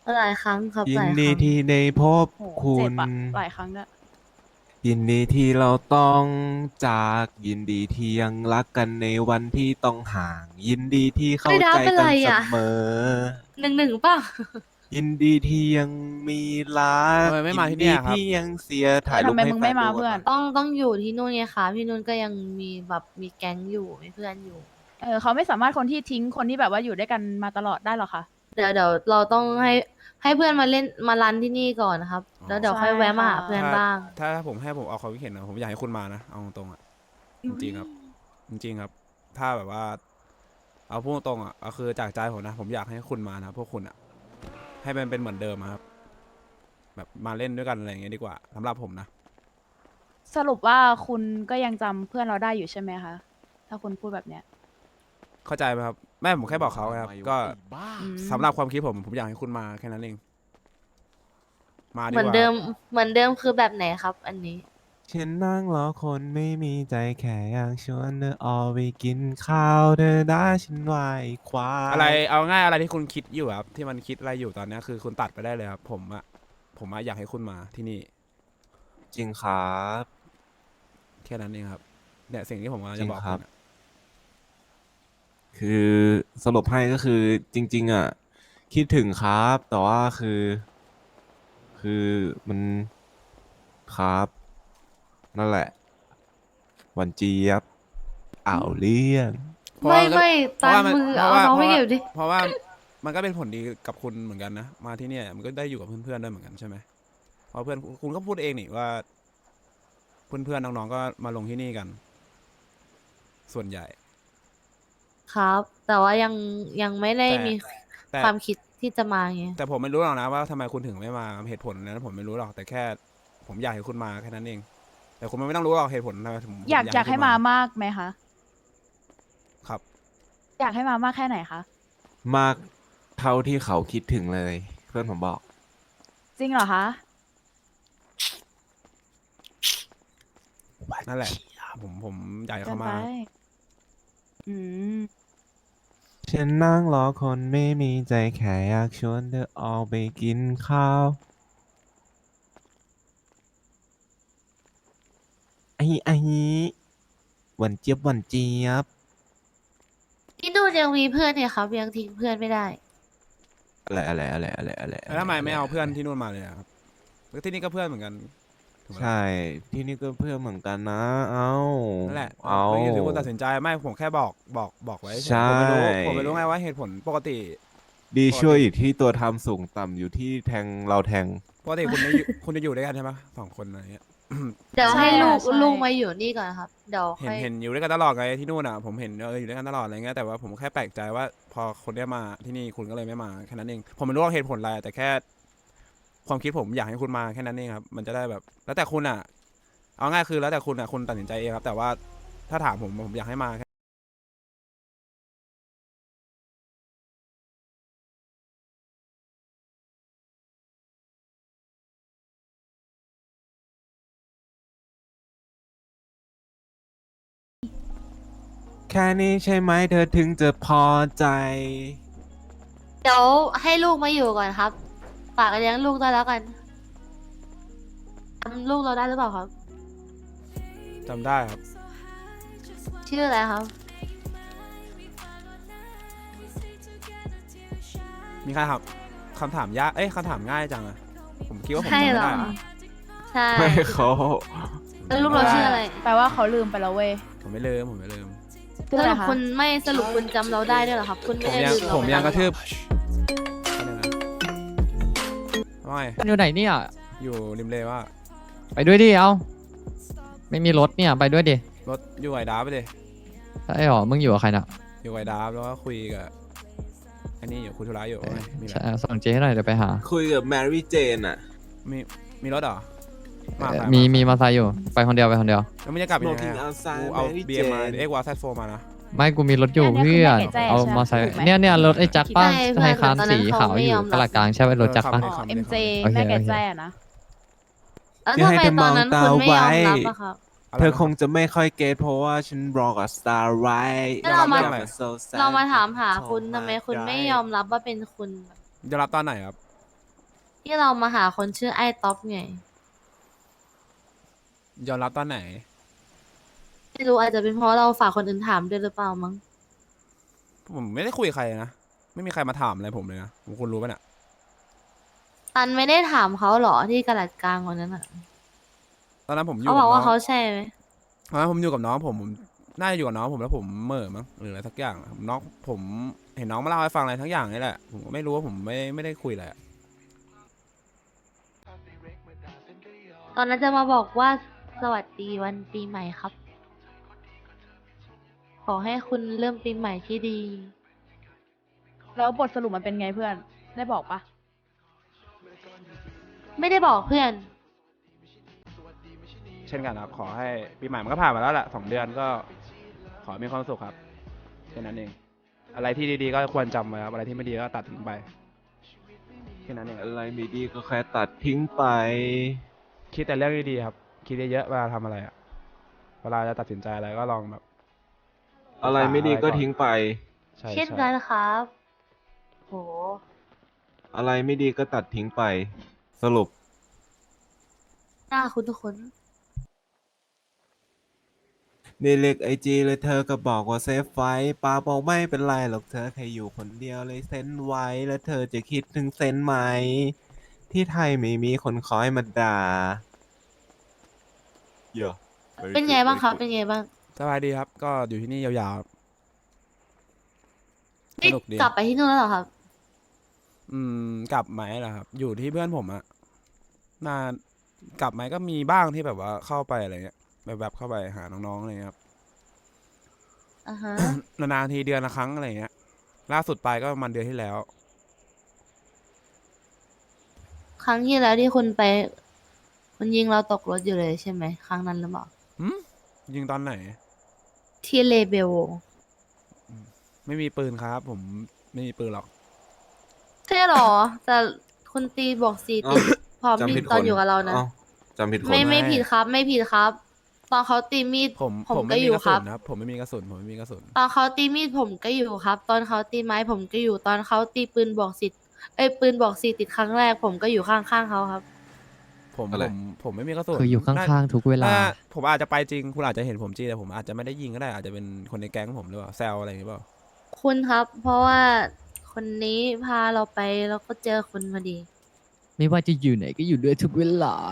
[SPEAKER 5] หลายครั้งครับ
[SPEAKER 2] ยิ
[SPEAKER 5] ห
[SPEAKER 2] น
[SPEAKER 5] ลายค
[SPEAKER 2] ดี
[SPEAKER 5] รั้ง
[SPEAKER 2] ที่ได้พบ
[SPEAKER 4] โห
[SPEAKER 2] คุ
[SPEAKER 4] เจ็บ
[SPEAKER 2] ณ
[SPEAKER 4] อะหลายครั้งด้วย
[SPEAKER 2] ยินดีที่เราต้องจากยินดีที่ยังรักกันในวันที่ต้องห่าง ยินดีที่เข้า
[SPEAKER 5] ไม่ได้
[SPEAKER 2] ใจ
[SPEAKER 5] เป็น
[SPEAKER 2] กั
[SPEAKER 5] ไร
[SPEAKER 2] นเส
[SPEAKER 5] อะ
[SPEAKER 2] มอ
[SPEAKER 5] 1-1ป่ะ
[SPEAKER 2] ยินดีที่ยังมีรัก
[SPEAKER 1] ทำไมไม่มาที่
[SPEAKER 2] ดี
[SPEAKER 1] เนี่ยครับ
[SPEAKER 2] ที่ยังเสียถ่ายรูป
[SPEAKER 4] ทำไม
[SPEAKER 2] ให้
[SPEAKER 4] มึง
[SPEAKER 2] แฟ
[SPEAKER 4] ไม่
[SPEAKER 2] น
[SPEAKER 4] มา
[SPEAKER 2] ดู
[SPEAKER 4] เพื่อน
[SPEAKER 2] ก่ะ
[SPEAKER 5] ต้องอยู่ที่นู่นไงคะพี่นุ่นก็ยังมีแบบมีแก๊งอยู่มีเพื่อนอยู่
[SPEAKER 4] เขาไม่สามารถคนที่ทิ้งคนที่แบบว่าอยู่ด้วยกันมาตลอดได้หรอกค่ะ
[SPEAKER 5] เดี๋ยวเราต้องให้เพื่อนมาเล่นมารันที่นี่ก่อนนะครับ แล้วเดี๋ยว
[SPEAKER 4] ใช่
[SPEAKER 5] ค่อยแวะมาหา
[SPEAKER 4] ค่ะ
[SPEAKER 5] เพื่อนบ้าง
[SPEAKER 1] ถ้าผมให้ผมเอาความคิดเห็นนะผมอยากให้คุณมานะเอาตรงๆอ่ะจริงๆครับ จริงๆครับ ถ้าแบบว่า เอาพูดตรงๆอ่ะก็คือจากใจผมนะ ผมอยากให้คุณมานะพวกคุณอ่ะ ให้มันเป็นเหมือนเดิมอะครับ แบบมาเล่นด้วยกันอะไรอย่างเงี้ยดีกว่าสำหรับผมนะ
[SPEAKER 4] สรุปว่าคุณก็ยังจำเพื่อนเราได้อยู่ใช่ไหมคะ ถ้าคุณพูดแบบเนี้ย
[SPEAKER 1] เข้าใจไหมครับแม่ผมแค่บอกเขาไงครับก็
[SPEAKER 4] อืม
[SPEAKER 1] สำหรับความคิดผมอยากให้คุณมาแค่นั้นเองมาดี
[SPEAKER 5] เหมื
[SPEAKER 1] ก
[SPEAKER 5] อน
[SPEAKER 1] ว่า
[SPEAKER 5] เดิมคือแบบไหนครับ อันนี้
[SPEAKER 2] ฉันนั่งรอคนไม่มีใจแค่อยากชวนเธอออกไปกินข้าวเธอได้ฉันไหวควาย
[SPEAKER 1] อะไรเอาง่ายอะไรที่คุณคิดอยู่ครับที่มันคิดอะไรอยู่ตอนเนี้ยคือคุณตัดไปได้เลยครับผมอะอยากให้คุณมาที่นี่
[SPEAKER 2] จริงครับ
[SPEAKER 1] แค่นั้นเองครับเนี่ยสิ่งที่ผมกำลัง
[SPEAKER 2] จริ
[SPEAKER 1] จะ
[SPEAKER 2] ง
[SPEAKER 1] บอก
[SPEAKER 2] ครั
[SPEAKER 1] คุ
[SPEAKER 2] บ
[SPEAKER 1] ณอะ
[SPEAKER 2] คือสรุปให้ก็คือจริง ๆ อ่ะ คิดถึงครับ แต่ว่าคือมันครับนั่นแหละหวันเจี๊ยบอ่าวเลี่ยง
[SPEAKER 1] เพราะว่า
[SPEAKER 5] ไม่
[SPEAKER 1] เพราะ
[SPEAKER 5] ตา
[SPEAKER 1] ว่าม มัน
[SPEAKER 5] มือ
[SPEAKER 1] เพ
[SPEAKER 5] เอา
[SPEAKER 1] ราะว่า
[SPEAKER 5] น้องไปเก็บดิ
[SPEAKER 1] เพราะว่ามันก็เป็นผลดีกับคุณเหมือนกันนะมาที่เนี่ยมันก็ได้อยู่กับเพื่อนๆด้วยเหมือนกันใช่ไหมเพราะเพื่อนคุณก็พูดเองนี่ว่า เพื่อนๆน้องๆก็มาลงที่นี่กัน ส่วนใหญ่
[SPEAKER 5] ครับ แต่ว่ายังไม่ได้มี
[SPEAKER 1] แต่
[SPEAKER 5] ความคิดที่จะมาไง
[SPEAKER 1] แต่ผมไม่รู้หรอกนะว่าทำไมคุณถึงไม่มาเหตุผลนั้นผมไม่รู้หรอกแต่แค่ ผมอยากให้คุณมาแค่นั้นเอง แต่คุณไม่ต้องรู้หรอกเหตุผลทำไมผม
[SPEAKER 4] อยากให้
[SPEAKER 1] คุณ
[SPEAKER 4] มามากไหมคะ
[SPEAKER 1] ครับ
[SPEAKER 4] อยากให้มามากแค่ไหนคะ
[SPEAKER 2] มากเท่าที่เขาคิดถึงเลย เพื่อนผมบอก
[SPEAKER 4] จริงเหรอคะ
[SPEAKER 1] นั่นแหละ ผมอยากให้
[SPEAKER 4] เกิน
[SPEAKER 1] เขา
[SPEAKER 4] ไป
[SPEAKER 1] มา
[SPEAKER 4] อืม
[SPEAKER 2] ฉันนั่งรอคนไม่มีใจแค่อยากชวนเธอออกไปกินข้าวไอ้หวันเจี๊ยบหวันเจี๊ยบ
[SPEAKER 5] ที่นู่นยังมีเพื่อนเนี่ยครับ ยังทิ้งเพื่อนไม่ได้
[SPEAKER 2] อะไร
[SPEAKER 1] แล้วทำไมไม่เอาเพื่อนที่นู่นมาเลยอะครับแล้วที่นี่ก็เพื่อนเหมือนกันถูกไหมล่ะ
[SPEAKER 2] ใช่ ที่นี่ก็เพื่อนเหมือนกันนะ เอา
[SPEAKER 1] นั่นแหละ
[SPEAKER 2] เอา
[SPEAKER 1] ไม่อยู่ที่คุณตัดสินใจไม่ผมแค่บอกไว้เฉย
[SPEAKER 2] ใช่
[SPEAKER 1] ผมไม่รู้ไงว่าเหตุผลปกติ
[SPEAKER 2] ดีช่วยอยู่ที่ตัวทำสูงต่ำอยู่ที่แทงเราแทง
[SPEAKER 1] ปกติคุณคุณจะอยู่ด้วยกันใช่ไหมสองคนอะไรเงี้ย
[SPEAKER 5] เดี๋ยว
[SPEAKER 4] ใช่
[SPEAKER 5] ให้ลูก
[SPEAKER 4] ใช่
[SPEAKER 5] ลูกมาอยู่นี่ก่อนครับ เดี๋ยว
[SPEAKER 1] เห็น
[SPEAKER 5] ค่อย
[SPEAKER 1] เห็นอยู่ด้วยกันตลอดไงที่นู่นอ่ะผมเห็นอยู่ด้วยกันตลอดอะไรเงี้ยแต่ว่าผมแค่แปลกใจว่า พอคนเนี้ยมาที่นี่คุณก็เลยไม่มาแค่นั้นเองผมไม่รู้ว่าเหตุผลอะไรแต่แค่ ความคิดผมอยากให้คุณมาแค่นั้นเองครับมันจะได้แบบ แล้วแต่คุณอ่ะ เอาง่ายคือแล้วแต่คุณอ่ะคุณตัดสินใจเองครับ แต่ว่าถ้าถามผมอยากให้มาแค่
[SPEAKER 2] แค่นี้ใช่ไหมเธอถึงจะพอใจ
[SPEAKER 5] เดี๋ยวให้ลูกมาอยู่ก่อนครับฝากเลี้ยงลูกด้วยแล้วกันจำลูกเราได้หรือเปล่าครับ
[SPEAKER 1] จำได้ครับ
[SPEAKER 5] ชื่ออะไรครับ
[SPEAKER 1] มีใครครับคำถามยากคำถามง่ายจังอะผมคิดว่าผมจำ
[SPEAKER 5] ใช่
[SPEAKER 1] ไม่
[SPEAKER 5] เหรอ
[SPEAKER 1] ได้อะ
[SPEAKER 5] ใช่
[SPEAKER 2] ไม่เขา
[SPEAKER 5] แล้วลูกเราชื่ออะไร
[SPEAKER 4] แปลว่าเขาลืมไปแล้วเว้ย
[SPEAKER 1] ผมไม่ลืมผมไม่ลืม
[SPEAKER 4] ชื่อ
[SPEAKER 5] ส
[SPEAKER 4] อะไร
[SPEAKER 5] รุป
[SPEAKER 4] คะ
[SPEAKER 5] คุณไม่สรุปคุณจำเราได้ด้วยเหรอครับ คุณไม่ได้ลืมเรา
[SPEAKER 1] ผม
[SPEAKER 5] ไป
[SPEAKER 1] ยัง
[SPEAKER 5] แล้ว
[SPEAKER 1] กระทืบอะไรนะว่าไง
[SPEAKER 6] อยู่ไหนเนี่ย
[SPEAKER 1] อยู่ริมเลว่า
[SPEAKER 6] ไปด้วยดิ เอาไม่มีรถเนี่ย ไปด้วยดิ
[SPEAKER 1] รถอยู่ไอดาฟไปเลย
[SPEAKER 6] ใช่หรอ มึงอยู่กับใครน่ะ
[SPEAKER 1] อยู่ไอดาฟแล้วก็คุยกับอันนี้อยู่คุยธุระอยู่ว่าไงมีอะไร
[SPEAKER 6] ใช่ส่งเจ๊ให้หน่อยเดี๋ยวไปหา
[SPEAKER 2] คุยกับแมรี่เจนอะ
[SPEAKER 1] มีรถเหรอมาใคร
[SPEAKER 6] มีมาไซค์อยู่ ไปคนเดียวไปคนเดียว
[SPEAKER 1] แล้วมันจะกลับยังไง
[SPEAKER 2] Smoking
[SPEAKER 1] อะ
[SPEAKER 2] outside
[SPEAKER 1] กูเอา
[SPEAKER 2] Mary
[SPEAKER 1] เบียร์มา
[SPEAKER 2] Jane
[SPEAKER 1] วาแซดโฟมานะ
[SPEAKER 6] ไม่กูมีรถอยู่เพื่อน เอามาไซค์เนี่ยรถไอ้แจ็คป้าไทยคานสีขาวอยู่ตลาดกลางใช่ไหมรถแจ็คป้า
[SPEAKER 4] อ๋อ MJ
[SPEAKER 6] โอเค
[SPEAKER 4] แม่แก่
[SPEAKER 6] โอเค
[SPEAKER 4] แจ้นะ
[SPEAKER 5] แล้วทำไมตอนนั้นคุณไม่ยอมรับอะครับ
[SPEAKER 2] เธอคงจะไม่ค่อยเก็ตเพราะว่าฉันรอกับ Star Right
[SPEAKER 5] แล้วเรามา
[SPEAKER 1] อะไร
[SPEAKER 2] So sad
[SPEAKER 5] เรามาถามหาคุณทำไมคุณไม่ยอมรับว่าเป็นคุณ
[SPEAKER 1] จะรับตอนไหนครับ
[SPEAKER 5] ที่เรามาหาคนชื่อไอ้ท็อปไง
[SPEAKER 1] ยอมรับตอนไหน
[SPEAKER 5] ไม่รู้อาจจะเป็นเพราะเราฝากคนอื่นถามด้วยหรือเปล่ามั้ง
[SPEAKER 1] ผมไม่ได้คุยกับใครนะ ไม่มีใครมาถามอะไรผมเลยนะผมคุณรู้ป่ะเนี่ย
[SPEAKER 5] ตันไม่ได้ถามเขาเหรอที่กระดาษกลางวันนั้นอ่ะ
[SPEAKER 1] ตอนนั้นผมอยู่
[SPEAKER 5] เขา
[SPEAKER 1] กั
[SPEAKER 5] บอก
[SPEAKER 1] น้
[SPEAKER 5] ว่า
[SPEAKER 1] อง
[SPEAKER 5] เขาใช่ไหม
[SPEAKER 1] ตอนนั้นผมอยู่กับน้องผมน่าจะอยู่กับน้องผมแล้วผมเหม่อมั้งหรืออะไรสักอย่างน้องผมเห็นน้องมาเล่าให้ฟังอะไรทั้งอย่างนี่แหละผมก็ไม่รู้ว่าผมไม่ได้คุยอะไรอะ
[SPEAKER 5] ตอนนั้นจะมาบอกว่าสวัสดีวันปีใหม่ครับ ขอให้คุณเริ่มปีใหม่ที่ดี
[SPEAKER 4] แล้วบทสรุปมันเป็นไงเพื่อน ได้บอกปะ
[SPEAKER 5] ไม่ได้บอกเพื่อน
[SPEAKER 1] เช่นกันครับขอให้ปีใหม่มันก็ผ่านมาแล้วแหละ2 เดือนก็ขอให้มีความสุขครับแค่นั้นเองอะไรที่ดีๆก็ควรจำไว้ครับอะไรที่ไม่ดีก็ตัดทิ้งไปแค่นั้นเอง
[SPEAKER 2] อะไรไม่ดีก็แค่ตัดทิ้งไป
[SPEAKER 1] คิดแต่เรื่องดีๆครับคิดเยอะๆเวลาทำอะไรอะเวลาจะตัดสินใจอะไรก็ลองแบบ
[SPEAKER 2] อะไรไม่ดีก็ทิ้งไป
[SPEAKER 1] ใช่
[SPEAKER 5] เช่น
[SPEAKER 1] ใช่
[SPEAKER 5] กันครับ โห
[SPEAKER 2] อะไรไม่ดีก็ตัดทิ้งไป สรุป
[SPEAKER 5] หน้าคุณทุกคน
[SPEAKER 2] ในเล็กไอจีเลยเธอก็บอกว่าเซฟไว้ป้าบอกไม่เป็นไรหรอกเธอแค่อยู่คนเดียวเลยเซ็นไว้แล้วเธอจะคิดถึงเซ็นไหม ที่ไทยไม่มีคนคอยมาด่าเยอะ
[SPEAKER 5] เป็นไงบ้างครับ เป็นไงบ้าง
[SPEAKER 1] สบายดีครับ ก็อยู่ที่นี่ยาวๆครับส
[SPEAKER 5] นี่
[SPEAKER 1] นุกดี
[SPEAKER 5] กลับไปที่นู่นแล้วเหรอครับ
[SPEAKER 1] กลับไหมล่ะครับ อยู่ที่เพื่อนผมอะนานกลับไหมก็มีบ้างที่แบบว่าเข้าไปอะไรเงี้ยแบบเข้าไปหาน้องๆอะไรเงี้ยครับ
[SPEAKER 5] อ่าฮะ
[SPEAKER 1] นานๆทีเดือนละครั้งอะไรเงี้ย ล่าสุดไปก็ประมาณเดือนที่แล้ว
[SPEAKER 5] ครั้งที่แล้วที่คุณไปคุณยิงเราตกรถอยู่เลยใช่ไหม ครั้งนั้นหรือเปล่า
[SPEAKER 1] ยิงตอนไหน
[SPEAKER 5] ที่เลเบล
[SPEAKER 1] ไม่มีปืนครับ ผมไม่มีปืนหรอก
[SPEAKER 5] ใช่เหรอ แต่คุณตีบอกสีติดพร้อม
[SPEAKER 2] จำ
[SPEAKER 5] มี
[SPEAKER 2] ผิด
[SPEAKER 5] ตอน
[SPEAKER 2] คน
[SPEAKER 5] อยู่กับเรานะ
[SPEAKER 2] อ้าวจำผิดคน
[SPEAKER 5] ไม่ผิดครับ ไม่ผิดครับ ตอนเขาตีมีด
[SPEAKER 1] ผม
[SPEAKER 5] ผมก็
[SPEAKER 1] ไม่
[SPEAKER 5] อ
[SPEAKER 1] มี
[SPEAKER 5] ยู่
[SPEAKER 1] กระ
[SPEAKER 5] ค
[SPEAKER 1] สุ
[SPEAKER 5] รั
[SPEAKER 1] น
[SPEAKER 5] บ
[SPEAKER 1] นะครับ ผมไม่มีกระสุนผมไม่มีกระสุน
[SPEAKER 5] ตอนเขาตีมีดผมก็อยู่ครับ ตอนเขาตีไม้ผมก็อยู่ ตอนเขาตีปืนบอกสิทธิ์ปืนบอกสีติดครั้งแรก ผมก็อยู่ข้างๆเขาครับ
[SPEAKER 1] ผม
[SPEAKER 2] อะไร
[SPEAKER 1] ผมไม่มีกระสุน
[SPEAKER 6] คืออยู่ข้างๆทุกเวลา
[SPEAKER 1] ผมอาจจะไปจริง คุณอาจจะเห็นผมจริงแต่ผมอาจจะไม่ได้ยิงก็ได้อาจจะเป็นคนในแก๊งผมหรือเปล่าแซวอะไรอย่างเงี้ยเปล่า
[SPEAKER 5] คุณครับ เพราะว่าคนนี้พาเราไปแล้วก็เจอคุณพอดี
[SPEAKER 6] ไม่ว่าจะอยู่ไหนก็อยู่ด้วยทุกเวลา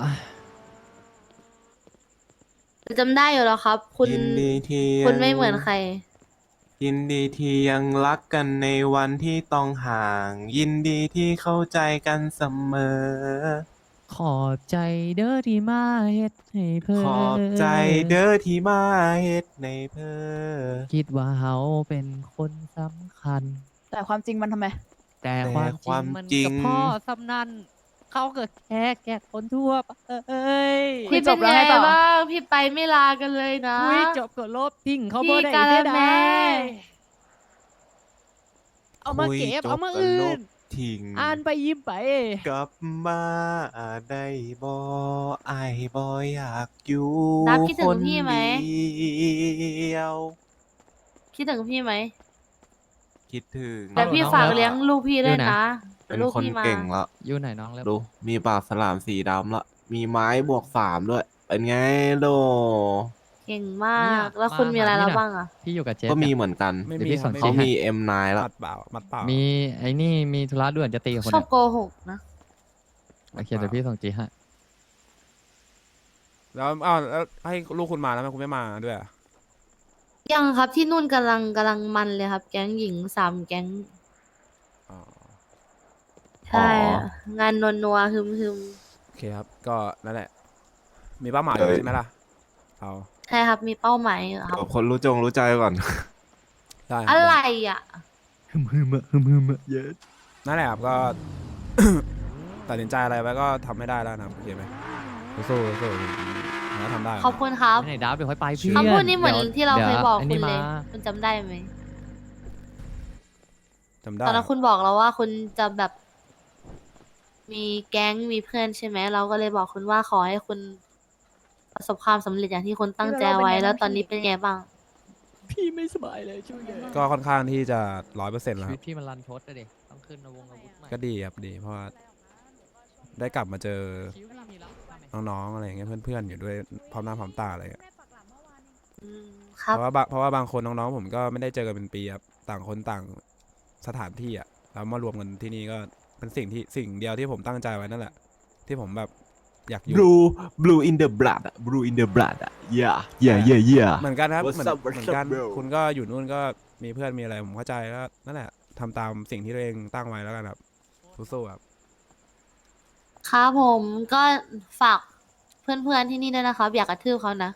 [SPEAKER 5] จำได้อยู่แล้วครับ คุณ
[SPEAKER 2] ยินดีที่
[SPEAKER 5] คุณไม่เหมือนใคร
[SPEAKER 2] ยินดีที่ยังรักกันในวันที่ต้องห่าง ยินดีที่เข้าใจกันเสมอ
[SPEAKER 6] ขอบใจเด้อที่มาเฮ็ดให้เพิ่
[SPEAKER 2] ขอบใจเด้อที่มาเฮ็ดในเพ้อ
[SPEAKER 6] คิดว่าเฮาเป็นคนสำคัญ
[SPEAKER 4] แต่ความจริงมันทำไม
[SPEAKER 6] แต่ความจริงมันกับพ่อสำนันเขาเกิดแค่คนทั่วไปเอ้ย
[SPEAKER 4] คุย
[SPEAKER 5] พี่
[SPEAKER 4] จ
[SPEAKER 5] เป็
[SPEAKER 4] บ
[SPEAKER 5] น
[SPEAKER 4] แล้ว
[SPEAKER 5] ไง
[SPEAKER 4] ไงต่อ
[SPEAKER 5] บ้าง พี่ไปไม่ลากันเลยนะ
[SPEAKER 6] คุยจบก็ลบทิ้งเขา
[SPEAKER 5] พี่
[SPEAKER 6] บ่ได้
[SPEAKER 5] กาละ
[SPEAKER 6] เด้
[SPEAKER 5] แม่
[SPEAKER 6] เอามาเก็บ
[SPEAKER 2] คุยจ
[SPEAKER 6] เอามา
[SPEAKER 2] ก็
[SPEAKER 6] อื่
[SPEAKER 2] ล
[SPEAKER 6] น
[SPEAKER 2] บทิ้ง
[SPEAKER 6] อ่านไปยิ้มไป
[SPEAKER 2] กลับมาได้บ่อายบ่อยากอยู่
[SPEAKER 5] นับคิดถึ
[SPEAKER 2] ค
[SPEAKER 5] ง
[SPEAKER 2] น
[SPEAKER 5] พี่ไหม
[SPEAKER 2] เดียว
[SPEAKER 5] คิดถึงพี่ไหม
[SPEAKER 2] คิดถึง
[SPEAKER 5] แต่พี่
[SPEAKER 6] น้อง
[SPEAKER 5] ฝาก
[SPEAKER 6] เลิฟ
[SPEAKER 5] เลี้ยงลูกพี่ด้วย
[SPEAKER 6] อยู่ไหน
[SPEAKER 5] นะ
[SPEAKER 2] เป็น
[SPEAKER 5] ลูก
[SPEAKER 2] คน
[SPEAKER 5] พี่มา
[SPEAKER 2] เก่งละ
[SPEAKER 6] อยู่ไหนน้องแล้ว
[SPEAKER 2] ดูมีปากฉลามสีดำละมีไม้บวก3ด้วย เป็นไงโด
[SPEAKER 5] เก่งมาก แล้วคุณมีอะไรแล้วบ้างอ่ะ
[SPEAKER 6] พี่อยู่กับเจฟ
[SPEAKER 2] ก็มี
[SPEAKER 6] เนี่ย
[SPEAKER 2] เหมือนกัน
[SPEAKER 1] ไม่
[SPEAKER 6] เดี๋ยว
[SPEAKER 1] มี
[SPEAKER 6] พี่
[SPEAKER 1] ครั
[SPEAKER 6] ส
[SPEAKER 1] บ
[SPEAKER 6] น
[SPEAKER 1] ไม่
[SPEAKER 2] เขา
[SPEAKER 1] มี
[SPEAKER 2] มี M9 ละ
[SPEAKER 1] มัดเปล่ามัดเปล่า
[SPEAKER 6] มีไอ้นี่มีธุระด่วนจะตีกับคน
[SPEAKER 5] ชอบ
[SPEAKER 6] เนี่ย
[SPEAKER 5] โกหกนะ
[SPEAKER 6] โอเคเดี๋ยวพี่ส่งจีให้
[SPEAKER 1] แล้วอ้าวแล้วให้ลูกคุณมาแล้วทำไมคุณไม่มาด้วยอะ
[SPEAKER 5] ยังครับที่นู่นกำลังมันเลยครับ แก๊งหญิง3 แก๊ง
[SPEAKER 1] อ๋อ
[SPEAKER 5] ใช่อะงานนัวๆฮึม
[SPEAKER 1] โอเคครับ ก็นั่นแหละ มีเป้าหมายอยู่ใช่ไหมล่ะเอา
[SPEAKER 5] ๆใช่ครับ มีเป้าหมายอยู่ครับ
[SPEAKER 2] กับคนรู้ใจก่อน
[SPEAKER 1] ได้คบ
[SPEAKER 5] อะไรอ่ะ
[SPEAKER 6] ฮึมเยอะ
[SPEAKER 1] นั่นแหละครับก็ ตัดสินใจอะไรไว้ก็ทำไม่ได้แล้วนะครับโอเคไหมสู้ผมก็ทำได้
[SPEAKER 5] ขอบคุณครับ
[SPEAKER 6] ไหนดับเดี๋ยวค่อยไปพี่
[SPEAKER 5] คำพูดนี้เหมือนที่เราเคยบอก
[SPEAKER 6] ดี๋ว
[SPEAKER 5] คุณเลย
[SPEAKER 6] มา
[SPEAKER 5] คุณจำได้ไหม
[SPEAKER 1] จำได้
[SPEAKER 5] ตอนนั้นคุณบอกเราว่าคุณจะแบบ มีแก๊งมีเพื่อนใช่ไหม เราก็เลยบอกคุณว่าขอให้คุณประสบความสำเร็จอย่างที่คุณตั้งใจไว้ แล้วตอนนี้เป็นไงบ้าง
[SPEAKER 6] พี่ไม่สบายเลยช่วยเลย
[SPEAKER 1] ก็ค่อนข้างที่จะ100%แล้ว
[SPEAKER 6] ชี
[SPEAKER 1] ค
[SPEAKER 6] วิ
[SPEAKER 1] รั
[SPEAKER 6] ต
[SPEAKER 1] บ
[SPEAKER 6] พี่มันรันทดอะดิต้องขึ้นอาวุธใหม่
[SPEAKER 1] ก็ดีครับดีเพราะว่าได้กลับมาเจอ
[SPEAKER 6] คิ้วพี่มีแล้วใช่ไหม
[SPEAKER 1] น้องๆอะไรอย่างเงี้ยเพื่อนๆอยู่ด้วยพร้อมหน้าพร้อมตาอะไรอย่างเงี้ย
[SPEAKER 5] อืมค
[SPEAKER 1] เพ
[SPEAKER 5] รับ
[SPEAKER 1] ราะว่าบางคนน้องๆผมก็ไม่ได้เจอกันเป็นปีครับต่างคนต่างสถานที่อ่ะแล้วมารวมกันที่นี่ก็เป็นสิ่งเดียวที่ผมตั้งใจไว้นั่นแหละ ที่ผมแบบอยากอยู่
[SPEAKER 2] blue in the blood อะ blue in the blood อะ yeah
[SPEAKER 1] เหมือนกันครับ
[SPEAKER 2] What's
[SPEAKER 1] เหมือน
[SPEAKER 2] up, what's
[SPEAKER 1] เหมือนกัน
[SPEAKER 2] up, bro?
[SPEAKER 1] คุณก็อยู่นู่นก็มีเพื่อนมีอะไรผมเข้าใจก็นั่นแหละทำตามสิ่งที่ตัวเองตั้งไว้แล้วกันครับสู้ๆครับ
[SPEAKER 5] ครับผมก็ฝากเพื่อนๆที่นี่ด้วยนะครับ อยากกระทืบเขานะ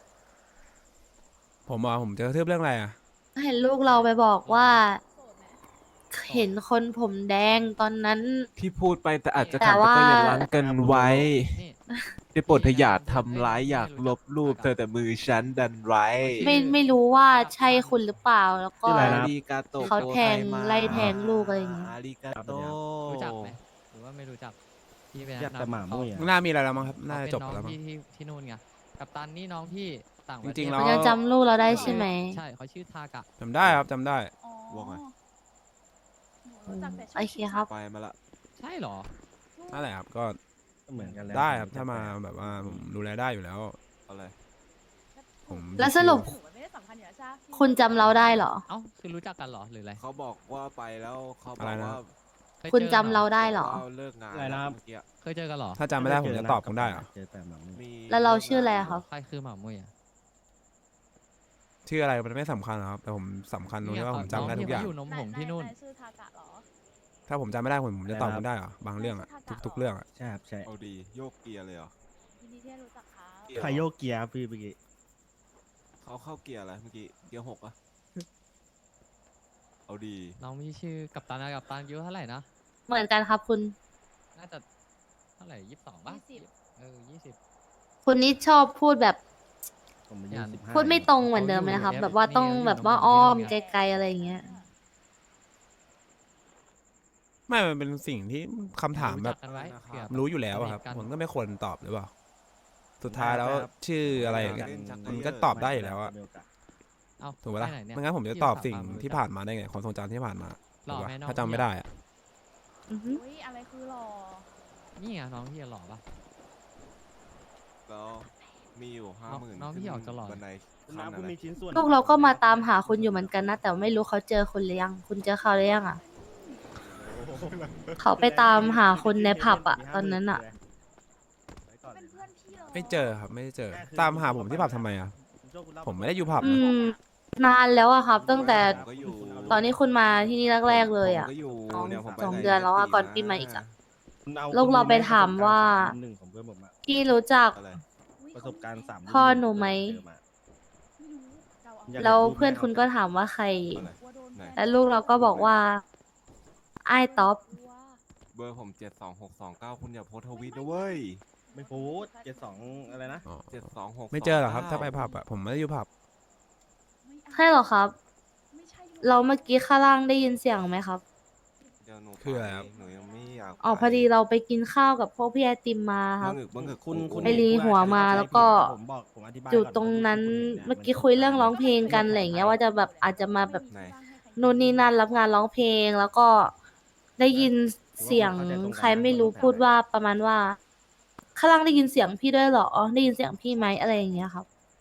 [SPEAKER 1] ผมจะกระทืบเรื่องอะไรอ่ะ
[SPEAKER 5] เห็นลูกเราไปบอกว่า เห็นคนผมแดงตอนนั้น
[SPEAKER 2] ที่พูดไปแต่อาจจะ
[SPEAKER 5] แต่
[SPEAKER 2] ทำแต่
[SPEAKER 5] ว่า
[SPEAKER 2] ก็อย่าล้างกันไว้
[SPEAKER 6] นี่
[SPEAKER 2] ได้โปรดเธออย่าทำร้ายอยากลบรูปเธอแต่มือฉันดันไว้
[SPEAKER 5] ไม่รู้ว่าใช่คุณหรือเปล่า แล้วก็
[SPEAKER 3] ชื่ออะไรนะ
[SPEAKER 2] อาริกาโต
[SPEAKER 5] เขาแทงไล่แทงลูกอะไรอย่างเงี้ย
[SPEAKER 2] อาริกาโต
[SPEAKER 6] รู้จักไหมหรือว่าไม่รู้จักพี่ไป
[SPEAKER 3] อยากแต่หมามุ้ยอะ
[SPEAKER 1] น่ามีอะไรแล้วมั้งครับ น่า
[SPEAKER 6] เขา
[SPEAKER 1] จะ
[SPEAKER 6] เป็น
[SPEAKER 1] จบ
[SPEAKER 6] น้อง
[SPEAKER 1] แล้วมั้ง
[SPEAKER 6] ที่นู่นไงกัปตันนี่น้องพี่ต่างประเทศ
[SPEAKER 1] จริงๆแล้
[SPEAKER 5] คุ
[SPEAKER 1] ว
[SPEAKER 5] ณยังจำลูกเราได้ใช่ไหม
[SPEAKER 6] ใช่เขาชื่อทากะ
[SPEAKER 1] จำได้ครับจำได้
[SPEAKER 2] ว่าไง
[SPEAKER 5] โอเคครับ
[SPEAKER 2] ไปมาละ
[SPEAKER 6] ใช่เหรอ
[SPEAKER 1] นั่นแหละครับก็
[SPEAKER 3] เหมือนกันแล้ว
[SPEAKER 1] ได้ครับถ้ามาแบบว่าผมดูแลได้อยู่แล้ว
[SPEAKER 2] อะไร
[SPEAKER 1] ผม
[SPEAKER 5] แล้วสรุป คุณจำเราได้เหรอ
[SPEAKER 6] เอ้าคือรู้จักกันเหรอหรืออะไร
[SPEAKER 2] เขาบอกว่าไปแล้วเขาบ
[SPEAKER 1] อะไร
[SPEAKER 2] อก
[SPEAKER 1] นะ
[SPEAKER 2] ว่า
[SPEAKER 6] เคย
[SPEAKER 5] คุณ
[SPEAKER 6] จอ
[SPEAKER 5] จำ
[SPEAKER 6] กัน
[SPEAKER 5] เราได้เหรอ
[SPEAKER 2] ว่าเลิกงาน
[SPEAKER 3] อะไรนะครับ
[SPEAKER 2] เมื่อกี้
[SPEAKER 6] เคยเจอกันเหรอ
[SPEAKER 1] ถ้าจำไม่ได้ผมจะตอบคุณได้เหรอ
[SPEAKER 3] เจอแต่หมามุ้ย
[SPEAKER 2] มี
[SPEAKER 5] แล้วเราชื่ออะไรอะครับ
[SPEAKER 6] ใครคือหมามุ้ยอะ
[SPEAKER 1] ชื่ออะไรมันไม่สำคัญหรอกครับแต่ผมสำคัญตรงที่ว่าผมจำได้ทุกอย่าง
[SPEAKER 6] น้ที่เขอยู่นมผงที่นู่น
[SPEAKER 4] ชื่อทากะเหรอ
[SPEAKER 1] ถ้าผมจำไม่ได้ผมจะตอบคุณได้เหรอบางเรื่องอะทุกๆเรื่องอะ
[SPEAKER 3] ใช่ครับใช่
[SPEAKER 2] เอาดีโยกเกียร์เลยเหรอ
[SPEAKER 4] ยินดีที่ได้รู้จักครับ
[SPEAKER 3] ใครโยกเกียร์พี่เมื่อกี้
[SPEAKER 2] เขาเข้าเกียร์อะไรเมื่อกี้เกียร์ 6อะเอาดี
[SPEAKER 6] น้องมีชื่อกัปตันนะกัปตันอายุเท่าไหร่นะ
[SPEAKER 5] เหมือนกันครับคุณ
[SPEAKER 6] น่าจะเท่าไหร่22ป่ะ 20
[SPEAKER 5] คุณนี่ชอบพูดแบบ
[SPEAKER 3] ผมอายุ
[SPEAKER 6] อย่าง
[SPEAKER 3] 15
[SPEAKER 5] พูดไม่ตรงเหมือนเดิมไหมนะครับ แบบว่าต้องแบบว่าอ้อมไกลๆอะไรอย่างเงี้ย
[SPEAKER 1] ไม่มันเป็นสิ่งที่คำถามแบบ
[SPEAKER 6] รู้จักกันไว้เผื่อ
[SPEAKER 1] รู้อยู่แล้วอะครับ
[SPEAKER 6] สนิทกัน
[SPEAKER 1] ผมก็ไม่ควรตอบหรือเปล่าสุดท้ายแล้วชื่ออะไรอย่างเงี้ยมันก็ตอบได้อยู่แล้วอะ
[SPEAKER 6] เอ้า
[SPEAKER 1] ถูกปะล่ะ
[SPEAKER 6] ปหนเนี่ย
[SPEAKER 1] ไม่งั้นผมจะตอบสิ่งที่ผ่านมาได้ไงความทรงจำที่ผ่านมา
[SPEAKER 6] หล่
[SPEAKER 1] ถู
[SPEAKER 6] อก
[SPEAKER 1] ปะ
[SPEAKER 6] ไหมน้อง
[SPEAKER 1] ถ้าจำไม่ได้อะ
[SPEAKER 5] อือฮึ
[SPEAKER 4] อุ้ยอะไรคือหล่อ
[SPEAKER 6] นี่ไงน้องพี่หล่อปะ
[SPEAKER 2] แล้วมีอยู่ 50,000
[SPEAKER 6] น้องพี่ออกจะหล่อ
[SPEAKER 2] บันได
[SPEAKER 3] คุณ
[SPEAKER 2] ขั้น
[SPEAKER 3] น้ำ
[SPEAKER 2] อะ
[SPEAKER 3] คุณ
[SPEAKER 2] ไร
[SPEAKER 3] มีชิ้นส่วน
[SPEAKER 5] ลูกเราก็มาตามหาคุณอยู่เหมือนกันนะ แต่ไม่รู้เขาเจอคุณหรือยัง คุณเจอเขาหรือยังอ่ะ เขาไปตามหาคุณในผับอ่ะ ตอนนั้นอ่ะ
[SPEAKER 4] เป็นเพื่อนพี่เหรอ
[SPEAKER 1] ไม่เจอครับไม่ได้เจอ ตามหาผมที่ผับทำไมอะผมไม่ได้อยู่ผับ
[SPEAKER 5] อื
[SPEAKER 1] นะ
[SPEAKER 5] ม นานแล้วอะครับ ตั้งแต่
[SPEAKER 2] ผมก็อยู่
[SPEAKER 5] ตอนนี้คุณมาที่นี่แรกๆเลยอ่ะ
[SPEAKER 2] ผมก็อยู่
[SPEAKER 5] สอง
[SPEAKER 2] เนี่ยผมไป
[SPEAKER 5] สอง
[SPEAKER 2] ไห
[SPEAKER 5] เดือนแล้วอะ
[SPEAKER 2] ปี
[SPEAKER 5] ก่อน
[SPEAKER 2] นะ
[SPEAKER 5] ปีใหม่อีกอะ
[SPEAKER 3] คุณอ
[SPEAKER 5] ลูกเราไปถามว่า
[SPEAKER 3] หนึ่งของเพื่อนผมอะ
[SPEAKER 5] พี่รู้จัก
[SPEAKER 2] อะไร
[SPEAKER 4] อุ๊ย
[SPEAKER 3] ประสบการณ์3
[SPEAKER 5] พ่อหนูไหม
[SPEAKER 3] เจอมา
[SPEAKER 4] ไม่รู้เราเอา
[SPEAKER 3] อยาก
[SPEAKER 5] แล้วเพื่อนคุณก็ถามว่าใคร
[SPEAKER 2] อะไร
[SPEAKER 4] กลัวโดน
[SPEAKER 2] ไหน
[SPEAKER 5] แล้วลูกเราก็บอกว่าไอ้ายต๊อป
[SPEAKER 4] กลัว
[SPEAKER 2] เบอร์ผม72629คุณอย่าโพสต์ทวิตนะเว้ย
[SPEAKER 3] ไม่พูด72อะไรนะ
[SPEAKER 1] อ๋อ
[SPEAKER 2] 726
[SPEAKER 1] ไม่เจอหรอกครับ ถ้าไปผับอะผมไม่ได้อยู่ผับ
[SPEAKER 4] ไม่เอา
[SPEAKER 5] ใช่เหรอครับ
[SPEAKER 4] ไม่ใช่ลูก
[SPEAKER 5] เราเมื่อกี้ข้างล่างได้ยินเสียงไหมครับ
[SPEAKER 2] เดี๋ยวหนู
[SPEAKER 1] คืออะไรครับ
[SPEAKER 2] ปหนูยังไม่อยาก
[SPEAKER 5] อ๋อพอดีเราไปกินข้าวกับพวกพี่ไอติมมาครับ
[SPEAKER 2] บังเอิญ
[SPEAKER 3] คุณ
[SPEAKER 5] ไปรีหัวมาแล้วก็
[SPEAKER 3] ผมบอกผมอธิบาย
[SPEAKER 5] อยู่
[SPEAKER 3] ก่
[SPEAKER 5] ตรงนั้น
[SPEAKER 3] ว่า
[SPEAKER 5] เมื่อกี้คุยเรื่องร้องเพลงกันอะไรอย่างเงี้ยว่าจะแบบอาจจะมาแบบ
[SPEAKER 2] ไหน
[SPEAKER 5] นู่นนี่นั่นรับงานร้องเพลง แล้วก็ได้ยินเสียงใครไม่รู้พูดว่าประมาณว่าข้างล่างได้ยินเสียงพี่ด้วยเหรอได้ยินเสียงพี่ไหมอะไรอย่างเงี้ยครับ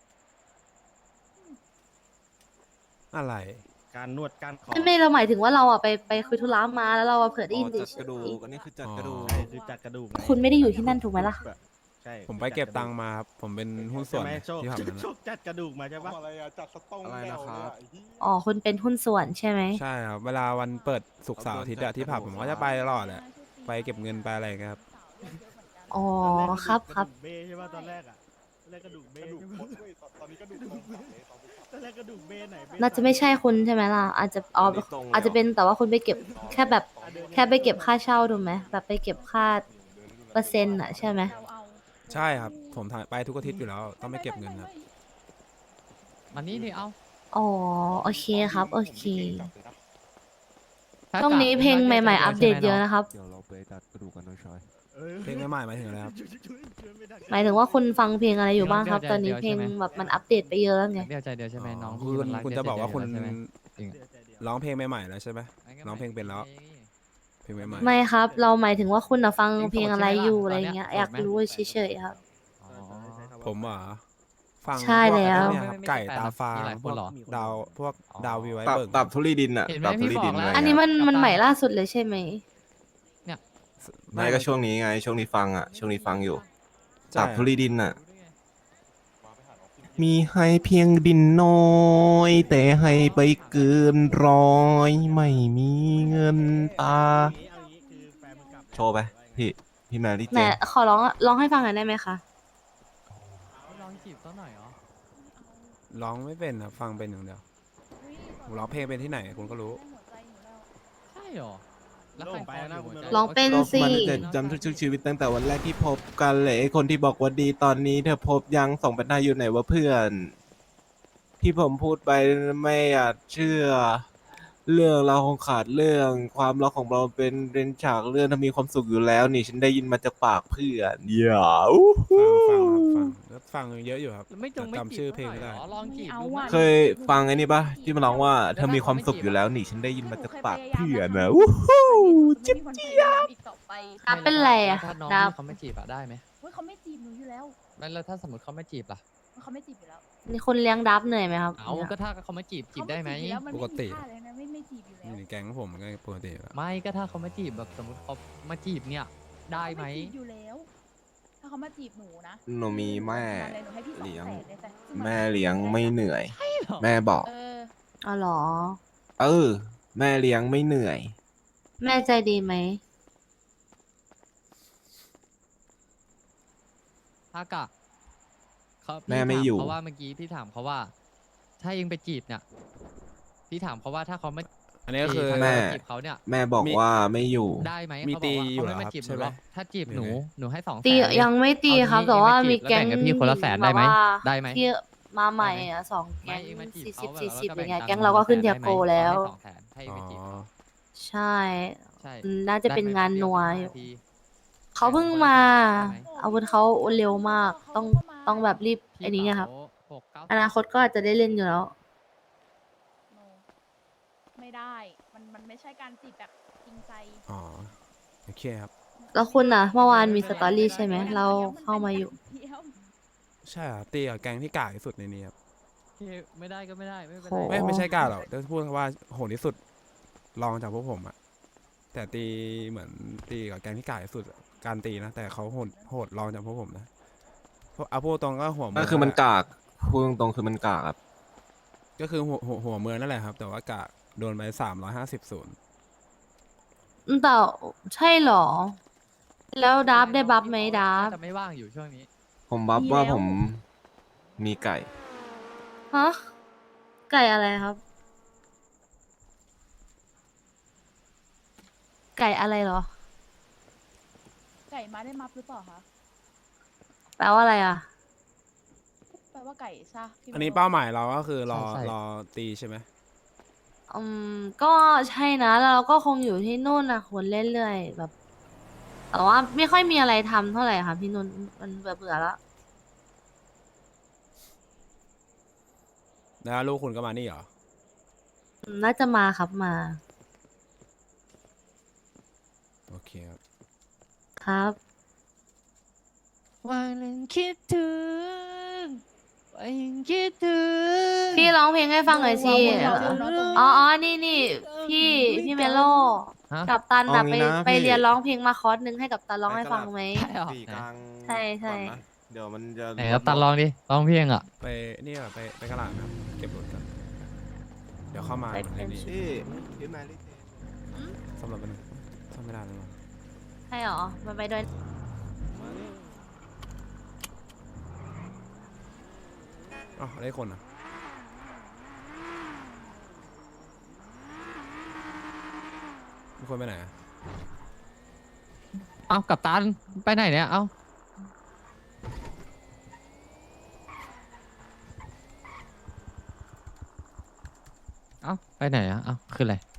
[SPEAKER 1] อะไร
[SPEAKER 3] การนวดการขอ
[SPEAKER 5] ไม่เราหมายถึงว่าเราอะไปคุยธุระมาแล้วเราอะเผื่อได้
[SPEAKER 2] อ๋
[SPEAKER 5] ยิ
[SPEAKER 2] อน จัด
[SPEAKER 5] เฉ
[SPEAKER 2] กระดู
[SPEAKER 5] ย
[SPEAKER 2] กอันนี้คือจัดกระดูก
[SPEAKER 3] ใช่คือจัดกระดูกไง
[SPEAKER 5] คุณไม่ได้อยู่ที่นั่นถูกไหมล่ะ
[SPEAKER 3] ใช่
[SPEAKER 1] ผมไปเก็บตังค์มาครับผมเป็นหุ้นส่วน
[SPEAKER 3] ใช่ไหมโชค
[SPEAKER 1] ที่ผับนั้น
[SPEAKER 3] โช
[SPEAKER 1] อะ
[SPEAKER 3] คจัดกระดูกมาใช่ปะ
[SPEAKER 2] อะไรนะครับ
[SPEAKER 5] อ๋อคุณเป็นหุ้นส่วนใช่ไหม
[SPEAKER 1] ใช่ครับเวลาวันเปิดศุกร์เสาร์อาทิตย์อะที่ผับผมก็จะไปตลอดแหละ ไปเก็บเงินไปอะไรอย่างเงี้ยครับ
[SPEAKER 5] อ๋อครับครับ
[SPEAKER 3] กะดูกเบ้ใช่ปะตอนแรกอะตอนแรกกระดูกเบ้ใช่ปะตอนนี้กระดูกตอนแรกกระดูกเบ้ไหนเบ้
[SPEAKER 5] น่าจะไม่ใช่คุณใช่ไหมล่ะอาจจะอ๋อ
[SPEAKER 2] ไม่ตรงเลย
[SPEAKER 5] อาจจะเป็นแต่ว่าคุณไปเก็บแค่แบบแค่ไปเก็บค่าเช่าถูกไหมแบบไปเก็บค่าเปอร์เซ็นต์อะใช่ไหม
[SPEAKER 4] เราเอา
[SPEAKER 1] ใช่ครับผมถ่ายไปทุกอาทิตย์อยู่แล้วต้องไม่เก็บเงินครับ
[SPEAKER 6] มันนี่ดิเอา
[SPEAKER 5] อ๋อโอเคครับโอเค
[SPEAKER 6] ถ้า
[SPEAKER 5] ช่วงนี้เพลงใหม่ๆอัปเดตเยอะนะครับ
[SPEAKER 2] เดี๋ยวเราไปจัดกระดูกกันน้อยชอย
[SPEAKER 1] เพลงใหม่ๆหมายถึงอะไรครับ
[SPEAKER 5] หมายถึงว่าคุณฟังเพลงอะไรอยู่บ้างครับ ตอนนี้เพลงแบบมันอัปเดตไปเยอะแล้วไง
[SPEAKER 6] เดียวใจเดียวใช่ไหมน้อง
[SPEAKER 1] คื
[SPEAKER 6] พี่
[SPEAKER 1] อ
[SPEAKER 6] มันรัก
[SPEAKER 1] คุณ
[SPEAKER 6] เดีย
[SPEAKER 1] จะ
[SPEAKER 6] ว
[SPEAKER 1] บอกว่าคุณ
[SPEAKER 6] ใจเดียใช่ไหมจริงอะ
[SPEAKER 1] ร้องเพลงใหม่ๆแล้วใช่ไหม ร้องเพลงเป็นแล้วเพลงใหม่
[SPEAKER 5] ไม่ครับ เราหมายถึงว่าคุณอะฟังเพลงอะไรอยู่
[SPEAKER 6] โสด
[SPEAKER 5] อะไร
[SPEAKER 6] ใช่ไหมล่ะ
[SPEAKER 5] เงี้ย
[SPEAKER 6] ตอนเนี้ย
[SPEAKER 5] อยาก
[SPEAKER 6] โสดไหม
[SPEAKER 5] รู้เฉยๆครับ
[SPEAKER 6] อ๋อ
[SPEAKER 1] ผมเหรอฟัง
[SPEAKER 5] ใช่
[SPEAKER 1] พก
[SPEAKER 5] แล้ว
[SPEAKER 1] เนี่ยครับไก่ตาฟาง
[SPEAKER 6] มีหลาย
[SPEAKER 1] พ
[SPEAKER 6] คน
[SPEAKER 1] วก
[SPEAKER 6] เหรอ
[SPEAKER 1] ดาวพวก
[SPEAKER 6] อ๋อ
[SPEAKER 1] ดาววีไว
[SPEAKER 2] ตับ
[SPEAKER 1] เบิร์ก
[SPEAKER 2] ตับทุลีดินอะ
[SPEAKER 6] เห็นไหม
[SPEAKER 2] ตับทุลีดิน
[SPEAKER 6] พี่บอกแล้ว
[SPEAKER 2] อะไร
[SPEAKER 5] อันนี้
[SPEAKER 2] เงี้ย
[SPEAKER 5] มันใหม่ล่าสุดเลยใช่ไหม
[SPEAKER 2] ไม่ก็ช่วงนี้ไง ช่วงนี้ฟังอะช่วงนี้ฟังอยู่
[SPEAKER 1] ใช่
[SPEAKER 2] ตับทุลีดินอะมีให้เพียงดินน้อย แต่ให้ไปเกินร้อย ไม่มีเงินตา
[SPEAKER 3] เอางี้คือแฟนมึงกลับแล้ว
[SPEAKER 2] โชว์ไป พี่แมรี่
[SPEAKER 5] ไห
[SPEAKER 2] เจ
[SPEAKER 5] น
[SPEAKER 2] น
[SPEAKER 5] ขอร้องให้ฟังหน่อยได้ไหมคะ
[SPEAKER 6] ลองจีบต้นหน่อยเหรอ
[SPEAKER 1] ร้องไม่เป็นครับฟังเป็นอย่างเดียวผมร้องเพลงเป็นที่ไหนคุณก็รู้
[SPEAKER 6] ใช่เหรอ แล้วใคร
[SPEAKER 3] ไปแล้วนะคุณเมโล
[SPEAKER 5] ร้องเป็น
[SPEAKER 2] โลก
[SPEAKER 5] สิ
[SPEAKER 2] มันจะจำทุกๆชีวิตตั้งแต่วันแรกที่พบกันเลยไอ้คนที่บอกว่าดีตอนนี้เธอพบยังส่งไปหน้าอยู่ไหนวะเพื่อน ที่ผมพูดไปไม่อยากเชื่อ เรื่องเราคงขาดเรื่องความรักของเราเป็นฉากเรื่องถ้ามีความสุขอยู่แล้วนี่ฉันได้ยินมาจากปากเพื่อนอย่าอู้
[SPEAKER 1] ฟังครับแล้วฟังเยอะอยู่ครับ
[SPEAKER 6] ไม่จงไม่
[SPEAKER 1] จำ
[SPEAKER 6] จี
[SPEAKER 1] ชื่อบ เพลงไม่ได้
[SPEAKER 6] หรอลองจีบ
[SPEAKER 4] ไม่เอา
[SPEAKER 6] ดูไหม
[SPEAKER 4] อะ
[SPEAKER 2] เคยฟังไอ้นี่ปะที่มันร้องว่าเธอมีความสุขอยู่แล้วนี่ฉันได้ยินมาจากปากเพื่อนนะอู้หูจิ๊บ
[SPEAKER 4] อีกต่อไป
[SPEAKER 5] ดับเป็นไรอะ
[SPEAKER 6] แล้วถ้าน้อง
[SPEAKER 5] ดับ
[SPEAKER 6] พี่เขาไม่จีบอะได้ไหม
[SPEAKER 4] เฮ้ยเขาไม่จีบหนูอยู่แล้ว
[SPEAKER 6] ไม่แล้วถ้าสมมติเขาไม่จีบล่ะ
[SPEAKER 4] เขาไม่จีบอยู่แล้ว
[SPEAKER 5] นี่คุณเลี้ยงดับเหนื่อยไหมครับ
[SPEAKER 6] เอาก็ถ้าเขาไม่จีบได้ไหม
[SPEAKER 4] เขาจีบอยู่แล้วมัน
[SPEAKER 1] ป
[SPEAKER 4] ไม่
[SPEAKER 1] กติ
[SPEAKER 4] มีค่าเลยนะไม่จีบอยู่แล้ว
[SPEAKER 1] นี่ในแก๊งผมมันก็ปกติอยู่แล้ว
[SPEAKER 6] ไม่ก็ถ้าเขาไม่จีบแบบสมมติเขามาจีบเนี่ยได้ไหม
[SPEAKER 4] เขาจีบอยู่แล้ว ถ้าเขามาจีบหนูนะ
[SPEAKER 2] หนูมีแม่
[SPEAKER 4] หนูให้พี่200,000
[SPEAKER 2] เลี้ยง
[SPEAKER 4] เลยแต่ซึ่งน
[SPEAKER 2] แม่เลี้ยงไม่เหนื่อย
[SPEAKER 6] ใช่เหรอ
[SPEAKER 2] แม่บอก
[SPEAKER 4] เออ
[SPEAKER 5] อ๋อเหรอ
[SPEAKER 2] เออ แม่เลี้ยงไม่เหนื่อย
[SPEAKER 5] แม่ใจดีไหม
[SPEAKER 6] ถ้ากะเขา
[SPEAKER 2] แม่ไม่อยู่
[SPEAKER 6] เพราะว่าเมื่อกี้พี่ถามเขาว่า ถ้าเองไปจีบเนี่ยพี่ถามเขาว่าถ้าเขาไม่
[SPEAKER 1] อันนี้ก็คือ
[SPEAKER 6] ถ้า
[SPEAKER 2] แม่
[SPEAKER 6] เราจีบเขาเนี่ย
[SPEAKER 2] แม่บอก
[SPEAKER 1] มี
[SPEAKER 2] ว่าไม่อยู่
[SPEAKER 6] ได้ไหม
[SPEAKER 1] มี
[SPEAKER 6] เขาบ
[SPEAKER 1] ตี
[SPEAKER 6] อกว่า
[SPEAKER 1] อยู่
[SPEAKER 6] เขา
[SPEAKER 1] เหร
[SPEAKER 6] ไม่
[SPEAKER 1] อ
[SPEAKER 6] มาจีบห
[SPEAKER 1] ครั
[SPEAKER 6] นู
[SPEAKER 1] บ
[SPEAKER 6] หรอก
[SPEAKER 1] ใช่ไหม
[SPEAKER 6] ถ้าจีบ
[SPEAKER 1] หรือ
[SPEAKER 6] หนู
[SPEAKER 1] ไง
[SPEAKER 6] หนูให้200,000
[SPEAKER 5] ตียังไม่ตีครับ แต่ว่ามีแก๊ง
[SPEAKER 6] แล้วแบ่งกับพี่คนละ100,000ได้ไหม
[SPEAKER 5] แบบว่า
[SPEAKER 6] ได้ไหม
[SPEAKER 5] ที่มาใหม่อะ2 แก๊ง
[SPEAKER 6] ไม่เองมาจีบ
[SPEAKER 5] 40
[SPEAKER 6] เขาแบบ
[SPEAKER 5] 40
[SPEAKER 6] แล้ว
[SPEAKER 5] อย่างเงี้ย
[SPEAKER 6] ตั
[SPEAKER 5] แก๊งเราก็ขึ้นเทียโกแล้ว
[SPEAKER 6] ให้200,000ให้
[SPEAKER 1] อ๋
[SPEAKER 6] ไป
[SPEAKER 1] อ
[SPEAKER 6] จีบเขา
[SPEAKER 5] ใช่
[SPEAKER 6] ใช่
[SPEAKER 5] น่าจะเป็นงานนัวอยู่ เขาเพิ่งมา อาวุธเขาเร็วมาก ต้องแบบรีบไอ้นี้ไงครับ อนาคตก็อาจจะได้เล่นอยู่แล้ว
[SPEAKER 4] โนไม่ได้ มันไม่ใช่การจีบแบบจริงใจ
[SPEAKER 1] อ๋อโอเคครับ
[SPEAKER 5] แล้วคุณน่ะ เมื่อวานมีสตอรี่ใช่ไหม เราเข้ามาอยู่
[SPEAKER 4] เดียว
[SPEAKER 1] ใช่ครับตีกับแก๊งที่กากที่สุดในนี้ครับ
[SPEAKER 6] ไม่ได้ก็ไม่ได้ไม่เป็น
[SPEAKER 5] โห
[SPEAKER 6] ไร
[SPEAKER 1] ไม่ใช่กากหรอกแต่พูดว่าโหดที่สุดรองจากพวกผมอะแต่ตีเหมือนตีกับแก๊งที่กากที่สุดการตีนะแต่เขาโหดรองจากพวกผมนะเพราะเอาพูดตรงก็หัวเมื
[SPEAKER 2] ก็คือมันกากพูดตรงๆคือมันกากครับ
[SPEAKER 1] ก็คือหัวเมืองนั่นแหละครับ แต่ว่ากากโดนไป350
[SPEAKER 5] แต่ใช่เหรอ แล้วดับได้บัฟไหมดับ
[SPEAKER 6] จะไม่ว่างอยู่ช่วงนี้
[SPEAKER 2] ผมบัฟว่าผมมีไก่
[SPEAKER 5] ฮะ ไก่อะไรครับ ไก่อะไรเหรอ
[SPEAKER 4] ไก่มาได้มัฟหรือเปล่าคะ
[SPEAKER 5] แปลว่าอะไรอ่ะ
[SPEAKER 4] แปลว่าไก่ใช่พี่
[SPEAKER 1] อันนี้
[SPEAKER 4] โม
[SPEAKER 1] เป้าหมายเราก็คือรอ
[SPEAKER 6] ใช่
[SPEAKER 1] รอตีใช่ไหม
[SPEAKER 5] ก็ใช่นะ แล้วเราก็คงอยู่ที่นู่นนะคนเรื่อยๆแบบ แต่ว่าไม่ค่อยมีอะไรทำเท่าไหร่ค่ะพี่นุ่นมันเบื่อๆแล้ว
[SPEAKER 1] แล้วลูกคุณก็มานี่เหรอ
[SPEAKER 5] น่าจะมาครับมา
[SPEAKER 1] โอเคครับ
[SPEAKER 5] ครับ
[SPEAKER 6] วันนั้นคิดถึงวันยังคิดถึง
[SPEAKER 5] พี่ร้องเพลงให้ฟังหน่อยสิ อ๋อ นี่ พี่เมโล
[SPEAKER 6] ฮะ
[SPEAKER 5] กับตัน
[SPEAKER 2] เอา
[SPEAKER 5] อะ
[SPEAKER 2] งี้นะ
[SPEAKER 5] ไป
[SPEAKER 2] พี่
[SPEAKER 5] เรียนร้องเพลงมาคอร์สหนึงให้กับตันร้องให้ฟังไหม
[SPEAKER 6] ใช่เหรอ
[SPEAKER 2] สี่กลาง
[SPEAKER 5] ใช่ใช่
[SPEAKER 2] ก่อนนะเดี๋ยวมันจะ
[SPEAKER 6] ไหนครับตันลองดิลองเพลงอ่ะ
[SPEAKER 1] ไปนี่เหรอไปกระลาดครับ เก็บรถกันเดี๋ยวเข้ามา
[SPEAKER 5] ไป
[SPEAKER 1] ในนี้
[SPEAKER 2] พี่แมรี่
[SPEAKER 1] สำหรับมันซ่อมไม่ได้เลยว่ะ
[SPEAKER 5] ใช่เหรอมันไปด้วย
[SPEAKER 1] อ๋อได้คนอ่ะมีคนไปไหนอะ
[SPEAKER 6] เอ้ากับตันไปไหนเนี่ยเอ้าไปไหนอ่ะเอ้าคืออะไร